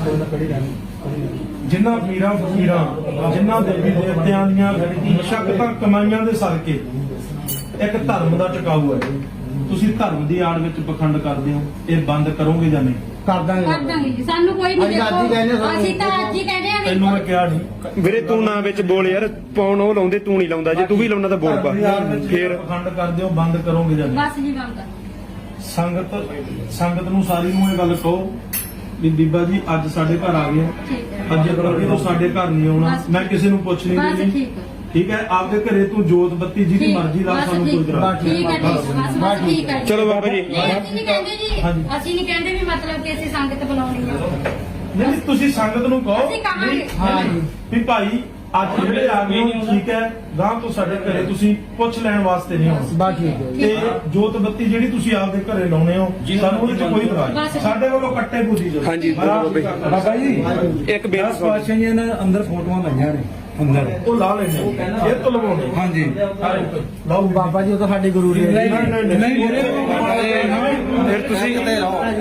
S4: ਜਿਨ੍ਹਾਂ ਪੀਰਾਂ ਫਕੀਰਾਂ ਜਿਨ੍ਹਾਂ ਦੇਵੀ ਦੇਵਤਿਆਂ ਦੀਆਂ ਮਸ਼ੱਕਤਾਂ ਕਮਾਈਆਂ ਦੇ ਸਦਕੇ ਇੱਕ ਧਰਮ ਦਾ ਟਿਕਾਊ ਹੈ, ਤੁਸੀਂ ਧਰਮ ਦੀ ਆੜ ਵਿੱਚ ਪਖੰਡ ਕਰਦੇ ਹੋ, ਇਹ ਬੰਦ ਕਰੋਗੇ ਜਾਂ ਨਹੀਂ?
S5: ਕਰ ਦਾਂਗੇ
S2: ਕਰ ਦਾਂਗੇ ਜੀ, ਸਾਨੂੰ ਕੋਈ ਨਹੀਂ
S5: ਅਸੀਂ ਅੱਜ ਹੀ ਕਹਿੰਦੇ
S2: ਦੇਖੋ
S5: ਸਾਨੂੰ।
S2: ਅਸੀਂ ਤਾਂ ਅੱਜ ਹੀ ਕਹਿੰਦੇ ਆ
S4: ਤੈਨੂੰ ਮੈਂ ਕਿਹਾ ਨਹੀਂ
S3: ਵੀਰੇ ਤੂੰ ਨਾ ਵਿੱਚ ਬੋਲ ਯਾਰ, ਪਾਉਣ ਉਹ ਲਾਉਂਦੇ ਤੂੰ ਨਹੀਂ ਲਾਉਂਦਾ, ਜੇ ਤੂੰ ਵੀ ਲਾਉਣਾ ਤਾਂ ਬੋਲ ਪਾ।
S4: ਧਰਮ ਦੀ ਆੜ ਵਿੱਚ
S3: ਫੇਰ
S4: ਪਖੰਡ ਕਰਦੇ ਹੋ, ਬੰਦ ਕਰੋਗੇ ਜਾਂ ਨਹੀਂ?
S2: ਬਸ ਜੀ ਬੰਦ ਕਰ।
S4: ਸੰਗਤ ਨੂੰ ਸਾਰੀ ਨੂੰ ਇਹ ਗੱਲ ਕਹੋ ਵੀ ਬੀਬਾ ਜੀ ਅੱਜ ਸਾਡੇ ਘਰ ਆ ਗਏ,
S2: ਠੀਕ ਹੈ
S4: ਅੱਜ ਅੱਗੇ ਤੋਂ ਸਾਡੇ ਘਰ ਨਹੀਂ ਆਉਣਾ,
S2: ਬਸ।
S4: ਮੈਂ ਕਿਸੇ ਨੂੰ ਪੁੱਛ ਨਹੀਂ
S2: ਬਸ
S4: ਦੇਣੀ।
S2: ਠੀਕ ਹੈ
S4: ਠੀਕ ਹੈ, ਆਪਦੇ ਘਰੇ ਤੂੰ ਜੋਤ ਬੱਤੀ ਜਿਹਦੀ
S2: ਠੀਕ,
S4: ਮਰਜ਼ੀ ਲਾ,
S2: ਬਸ
S4: ਸਾਨੂੰ ਕੋਈ
S2: ਠੀਕ,
S4: ਇਤਰਾਜ਼
S2: ਠੀਕ ਹੈ ਬਸ ਠੀਕ ਹੈ।
S3: ਚਲੋ ਬਾਬਾ ਜੀ।
S2: ਨਹੀਂ, ਅਸੀਂ ਨਹੀਂ ਕਹਿੰਦੇ ਜੀ,
S4: ਹਾਂਜੀ।
S2: ਅਸੀਂ ਨਹੀਂ ਕਹਿੰਦੇ ਵੀ ਮਤਲਬ ਕਿ ਅਸੀਂ ਸੰਗਤ ਬੁਲਾਉਣੀ ਆ।
S4: ਨਹੀਂ ਤੁਸੀਂ ਸੰਗਤ ਨੂੰ ਕਹੋ
S2: ਅਸੀਂ ਕਹਾਂਗੇ।
S5: ਹਾਂ ਜੀ।
S4: ਵੀ ਭਾਈ ਅੱਜ ਜਿਹੜੇ ਆ ਗਏ ਹੋ, ਠੀਕ ਹੈ, ਗਾਂ ਤੋਂ ਸਾਡੇ ਘਰੇ ਤੁਸੀਂ ਪੁੱਛ ਲੈਣ ਵਾਸਤੇ ਨਹੀਂ ਆਉਣਾ,
S5: ਬਸ ਠੀਕ ਹੈ
S4: ਤੇ ਜੋਤ ਬੱਤੀ ਜਿਹੜੀ ਤੁਸੀਂ ਆਪਦੇ ਘਰੇ ਲਾਉਣੇ ਹੋ, ਸਾਨੂੰ ਉਹਦੇ ਚ ਕੋਈ ਇਤਰਾਜ਼ ਨਹੀਂ।
S2: ਬਸ।
S4: ਸਾਡੇ ਵੱਲੋਂ ਕੱਟੇ ਬੁੱਧੀ ਜਾਓ।
S3: ਹਾਂਜੀ,
S4: ਮਹਾਰਾਜ
S3: ਬਾਬਾ ਜੀ।
S6: ਬਾਬਾ ਜੀ
S3: ਇੱਕ ਬੇਨਤੀ
S6: ਦਸ ਪਾਤਸ਼ਾਹੀਆਂ ਨੇ ਅੰਦਰ ਫੋਟੋਆਂ ਲਾਈਆਂ ਨੇ ਅੰਦਰ।
S4: ਉਹ ਲਾ ਲੈਣੇ ਇਹ ਤੋਂ ਲਵਾਉਣੇ।
S6: ਹਾਂਜੀ
S4: ਲਾਓ
S5: ਬਾਬਾ ਜੀ ਉਹ ਤਾਂ ਸਾਡੇ ਗੁਰੂ ਨੇ
S6: ਨਹੀਂ ਵੀਰੇ
S3: ਫਿਰ ਤੁਸੀਂ
S4: ਜਿਹੜੀ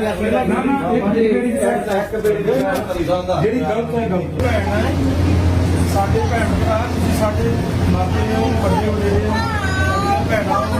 S4: ਗਲਤ ਹੈ ਗਲਤ ਭੈਣ ਹੈ, ਸਾਡੇ ਭੈਣ ਭਰਾ, ਤੁਸੀਂ ਸਾਡੇ ਮਾਪੇ ਹੋ, ਵੱਡੇ ਵਡੇਰੇ ਹੋ, ਭੈਣਾਂ ਹੋ।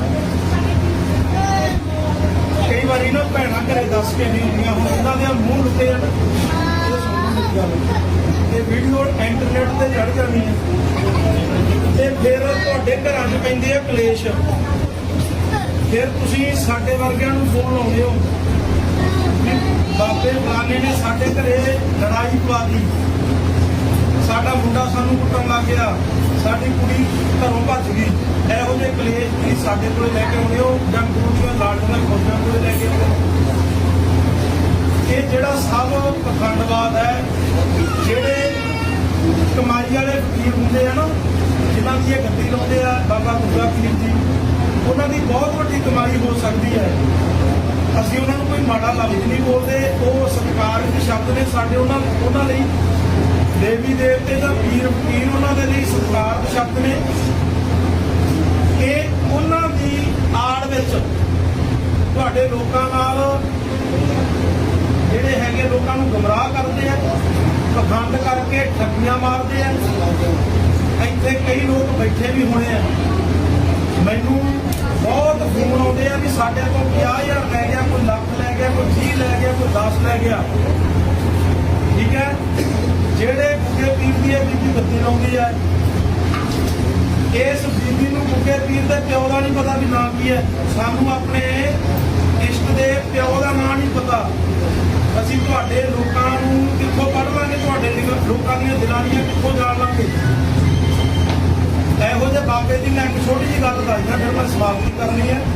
S4: ਕਈ ਵਾਰੀ ਨਾ ਭੈਣਾਂ ਘਰੇ ਦੱਸ ਕੇ ਨਹੀਂ ਹੁੰਦੀਆਂ, ਹੁਣ ਉਹਨਾਂ ਦੇ ਮੂੰਹ ਲੁੱਟੇ ਆ, ਇਹ ਸੁਣਨ ਦੀ ਗੱਲ ਤੇ ਵੀਡੀਓ ਇੰਟਰਨੈਟ ਤੇ ਚੜ ਜਾਣੀ ਹੈ, ਤੇ ਫਿਰ ਤੁਹਾਡੇ ਘਰਾਂ 'ਚ ਪੈਂਦੇ ਆ ਕਲੇਸ਼। ਫਿਰ ਤੁਸੀਂ ਸਾਡੇ ਵਰਗਿਆਂ ਨੂੰ ਫੋਨ ਲਾਉਂਦੇ ਹੋ ਵੀ ਬਾਬੇ ਫਲਾਣੇ ਨੇ ਸਾਡੇ ਘਰੇ ਲੜਾਈ ਪਵਾ ਦਿੱਤੀ, ਸਾਡਾ ਮੁੰਡਾ ਸਾਨੂੰ ਕੁੱਟਣ ਲੱਗ ਗਿਆ, ਸਾਡੀ ਕੁੜੀ ਘਰੋਂ ਭੱਜ ਗਈ। ਇਹੋ ਜਿਹੇ ਕਲੇਸ਼ ਤੁਸੀਂ ਸਾਡੇ ਕੋਲ ਲੈ ਕੇ ਆਉਂਦੇ ਹੋ ਜਾਂ ਗੁਰੂ ਦੀਆਂ ਲਾਡਲੀਆਂ ਫੌਜਾਂ ਕੋਲ ਲੈ ਕੇ ਆਉਂਦੇ ਹੋ। ਇਹ ਜਿਹੜਾ ਸਭ ਪਖੰਡਵਾਦ ਹੈ, ਜਿਹੜੇ ਕਮਾਈ ਵਾਲੇ ਫਕੀਰ ਹੁੰਦੇ ਆ ਨਾ, ਜਿਨ੍ਹਾਂ ਦੀ ਇਹ ਗੱਦੀ ਲਾਉਂਦੇ ਆ ਬਾਬਾ ਗੁਰਦਾ ਪੀਰ ਜੀ, ਉਹਨਾਂ ਦੀ ਬਹੁਤ ਵੱਡੀ ਕਮਾਈ ਹੋ ਸਕਦੀ ਹੈ। ਅਸੀਂ ਉਹਨਾਂ ਨੂੰ ਕੋਈ ਮਾੜਾ ਲਫ਼ਜ਼ ਨਹੀਂ ਬੋਲਦੇ, ਉਹ ਸਤਿਕਾਰ ਦੇ ਸ਼ਬਦ ਨੇ ਸਾਡੇ ਉਹਨਾਂ ਲਈ। ਦੇਵੀ ਦੇਵਤੇ ਦਾ ਪੀਰ ਫਕੀਰ ਉਹਨਾਂ ਦੇ ਲਈ ਸਤਿਕਾਰ ਦੇ ਸ਼ਬਦ ਨੇ। ਇਹ ਉਹਨਾਂ ਦੀ ਆੜ ਵਿੱਚ ਤੁਹਾਡੇ ਲੋਕਾਂ ਨਾਲ ਜਿਹੜੇ ਹੈਗੇ ਲੋਕਾਂ ਨੂੰ ਗੁੰਮਰਾਹ ਕਰਦੇ ਆ, ਪਖੰਡ ਕਰਕੇ ਠੱਗੀਆਂ ਮਾਰਦੇ ਆ। ਇੱਥੇ ਕਈ ਲੋਕ ਬੈਠੇ ਵੀ ਹੋਣੇ ਆ, ਮੈਨੂੰ ਬਹੁਤ ਫੋਨ ਆਉਂਦੇ ਆ ਵੀ ਸਾਡੇ ਕੋਲ 50,000 ਲੈ ਗਿਆ, ਕੋਈ ਲੱਖ ਲੈ ਗਿਆ, ਕੋਈ 30 ਲੈ ਗਿਆ, ਕੋਈ 10 ਲੈ ਗਿਆ। ਠੀਕ ਹੈ, ਜਿਹੜੇ ਗੁੱਗੇ ਪੀਰ ਦੀ ਬੀਬੀ ਬੱਤੀ ਲਾਉਂਦੀ ਹੈ, ਇਸ ਬੀਬੀ ਨੂੰ ਗੁੱਗੇ ਪੀਰ ਦੇ ਪਿਓ ਦਾ ਨਹੀਂ ਪਤਾ ਵੀ ਨਾਂ ਕੀ ਹੈ। ਸਾਨੂੰ ਆਪਣੇ ਇਸ਼ਟ ਦੇ ਪਿਓ ਦਾ ਨਾਂ ਨਹੀਂ ਪਤਾ। ਅਸੀਂ ਤੁਹਾਡੇ ਲੋਕਾਂ ਨੂੰ ਕਿੱਥੋਂ ਪੜ੍ਹ ਲਾਂਗੇ, ਤੁਹਾਡੇ ਲੋਕਾਂ ਦੀਆਂ ਦਿਲਾਂੀਆਂ ਕਿੱਥੋਂ ਜਾਣ ਲਾਂਗੇ। ਇਹੋ ਜਿਹੇ ਬਾਬੇ ਦੀ ਮੈਂ ਇੱਕ ਛੋਟੀ ਜਿਹੀ ਗੱਲ ਦੱਸਦਾ, ਫਿਰ ਮੈਂ ਸਮਾਪਤੀ ਕਰਨੀ ਹੈ।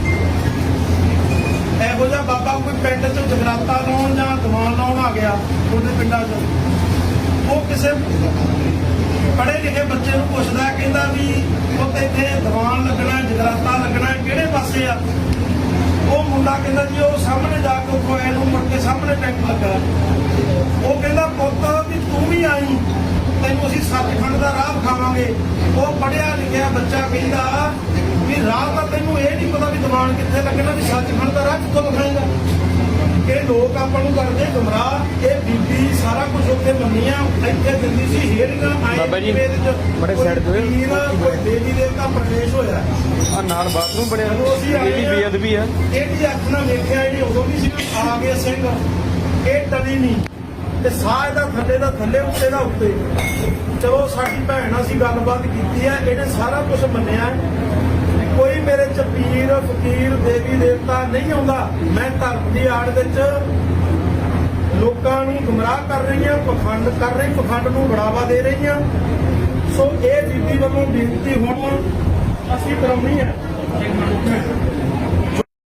S4: ਇਹੋ ਜਿਹਾ ਬਾਬਾ ਕੋਈ ਪਿੰਡ 'ਚ ਜਗਰਾਤਾ ਲਾਉਣ ਜਾਂ ਦੀਵਾਨ ਲਾਉਣ ਆ ਗਿਆ ਤੁਹਾਡੇ ਪਿੰਡਾਂ 'ਚ, ਉਹ ਕਿਸੇ ਪੜ੍ਹੇ ਲਿਖੇ ਬੱਚੇ ਨੂੰ ਪੁੱਛਦਾ, ਕਹਿੰਦਾ ਵੀ ਉੱਥੇ ਇੱਥੇ ਦੀਵਾਨ ਲੱਗਣਾ, ਜਗਰਾਤਾ ਲੱਗਣਾ, ਕਿਹੜੇ ਪਾਸੇ ਆ? ਉਹ ਮੁੰਡਾ ਕਹਿੰਦਾ ਜੀ ਉਹ ਸਾਹਮਣੇ ਜਾ ਕੇ ਉੱਥੋਂ ਆਏ ਨੂੰ ਮੁੜ ਕੇ ਸਾਹਮਣੇ ਟੈਂਕ ਲੱਗਾ। ਉਹ ਕਹਿੰਦਾ ਪੁੱਤ ਵੀ ਤੂੰ ਵੀ ਆਈ, ਤੈਨੂੰ ਅਸੀਂ ਸੱਚਖੰਡ ਦਾ ਰਾਹ ਵਿਖਾਵਾਂਗੇ। ਉਹ ਪੜ੍ਹਿਆ ਲਿਖਿਆ ਬੱਚਾ ਕਹਿੰਦਾ ਵੀ ਰਾਹ ਤਾਂ ਤੈਨੂੰ ਇਹ ਨਹੀਂ ਪਤਾ ਵੀ ਦੀਵਾਨ ਕਿੱਥੇ ਲੱਗਣਾ, ਵੀ ਸੱਚਖੰਡ ਦਾ ਰਾਹ ਕਿੱਥੋਂ ਵਿਖਾਏਗਾ? ਇਹ ਲੋਕ ਆਪਾਂ ਨੂੰ ਕਰਦੇ ਗੁੰਮਰਾਹ। ਇਹ ਬੀਬੀ ਸਾਰਾ ਕੁਝ ਉੱਥੇ ਮੰਨੀ ਆ, ਇੱਥੇ ਦਿੰਦੀ ਸੀ ਹੇੜੀਆਂ ਆਏ
S3: ਬਾਬਾ ਜੀ, ਬੜੇ side ਤੇ ਹੋਏ।
S4: ਦੇਵੀ ਦੇਵਤਾ ਪ੍ਰਵੇਸ਼ ਹੋਇਆ
S3: ਆ ਨਾਲ ਬਾਥਰੂਮ ਬਣਿਆ,
S4: ਜਦੋਂ ਅਸੀਂ ਆਏ
S3: ਇਹਦੀ
S4: ਆ,
S3: ਬੇਅਦਬੀ ਆ।
S4: ਇਹਦੀ ਅੱਖ ਨਾਲ ਵੇਖਿਆ ਇਹਨੇ ਉਦੋਂ ਵੀ ਸੀ ਆ ਗਏ ਸਿੰਘ, ਇਹ ਟਲੀ ਨਹੀਂ ਤੇ ਸਾਹ ਇਹਦਾ ਥੱਲੇ ਦਾ ਥੱਲੇ, ਉੱਤੇ ਦਾ ਉੱਤੇ। ਚਲੋ ਸਾਡੀ ਭੈਣ ਅਸੀਂ ਗੱਲਬਾਤ ਕੀਤੀ ਹੈ, ਇਹਨੇ ਸਾਰਾ ਕੁਝ ਮੰਨਿਆ। ਕੋਈ ਮੇਰੇ ਚ ਪੀਰ ਫਕੀਰ ਦੇਵੀ ਦੇਵਤਾ ਨਹੀਂ ਆਉਂਦਾ। ਮੈਂ ਧਰਮ ਦੀ ਆੜ ਵਿੱਚ ਲੋਕਾਂ ਨੂੰ ਗੁੰਮਰਾਹ ਕਰ ਰਹੀ ਹਾਂ, ਪਖੰਡ ਕਰ ਰਹੀ, ਪਖੰਡ ਨੂੰ ਬੜਾਵਾ ਦੇ ਰਹੀ ਹਾਂ। ਸੋ ਇਹ ਬੀਬੀ ਵੱਲੋਂ ਬੇਨਤੀ ਹੁਣ ਅਸੀਂ ਕਰਾਉਣੀ ਹੈ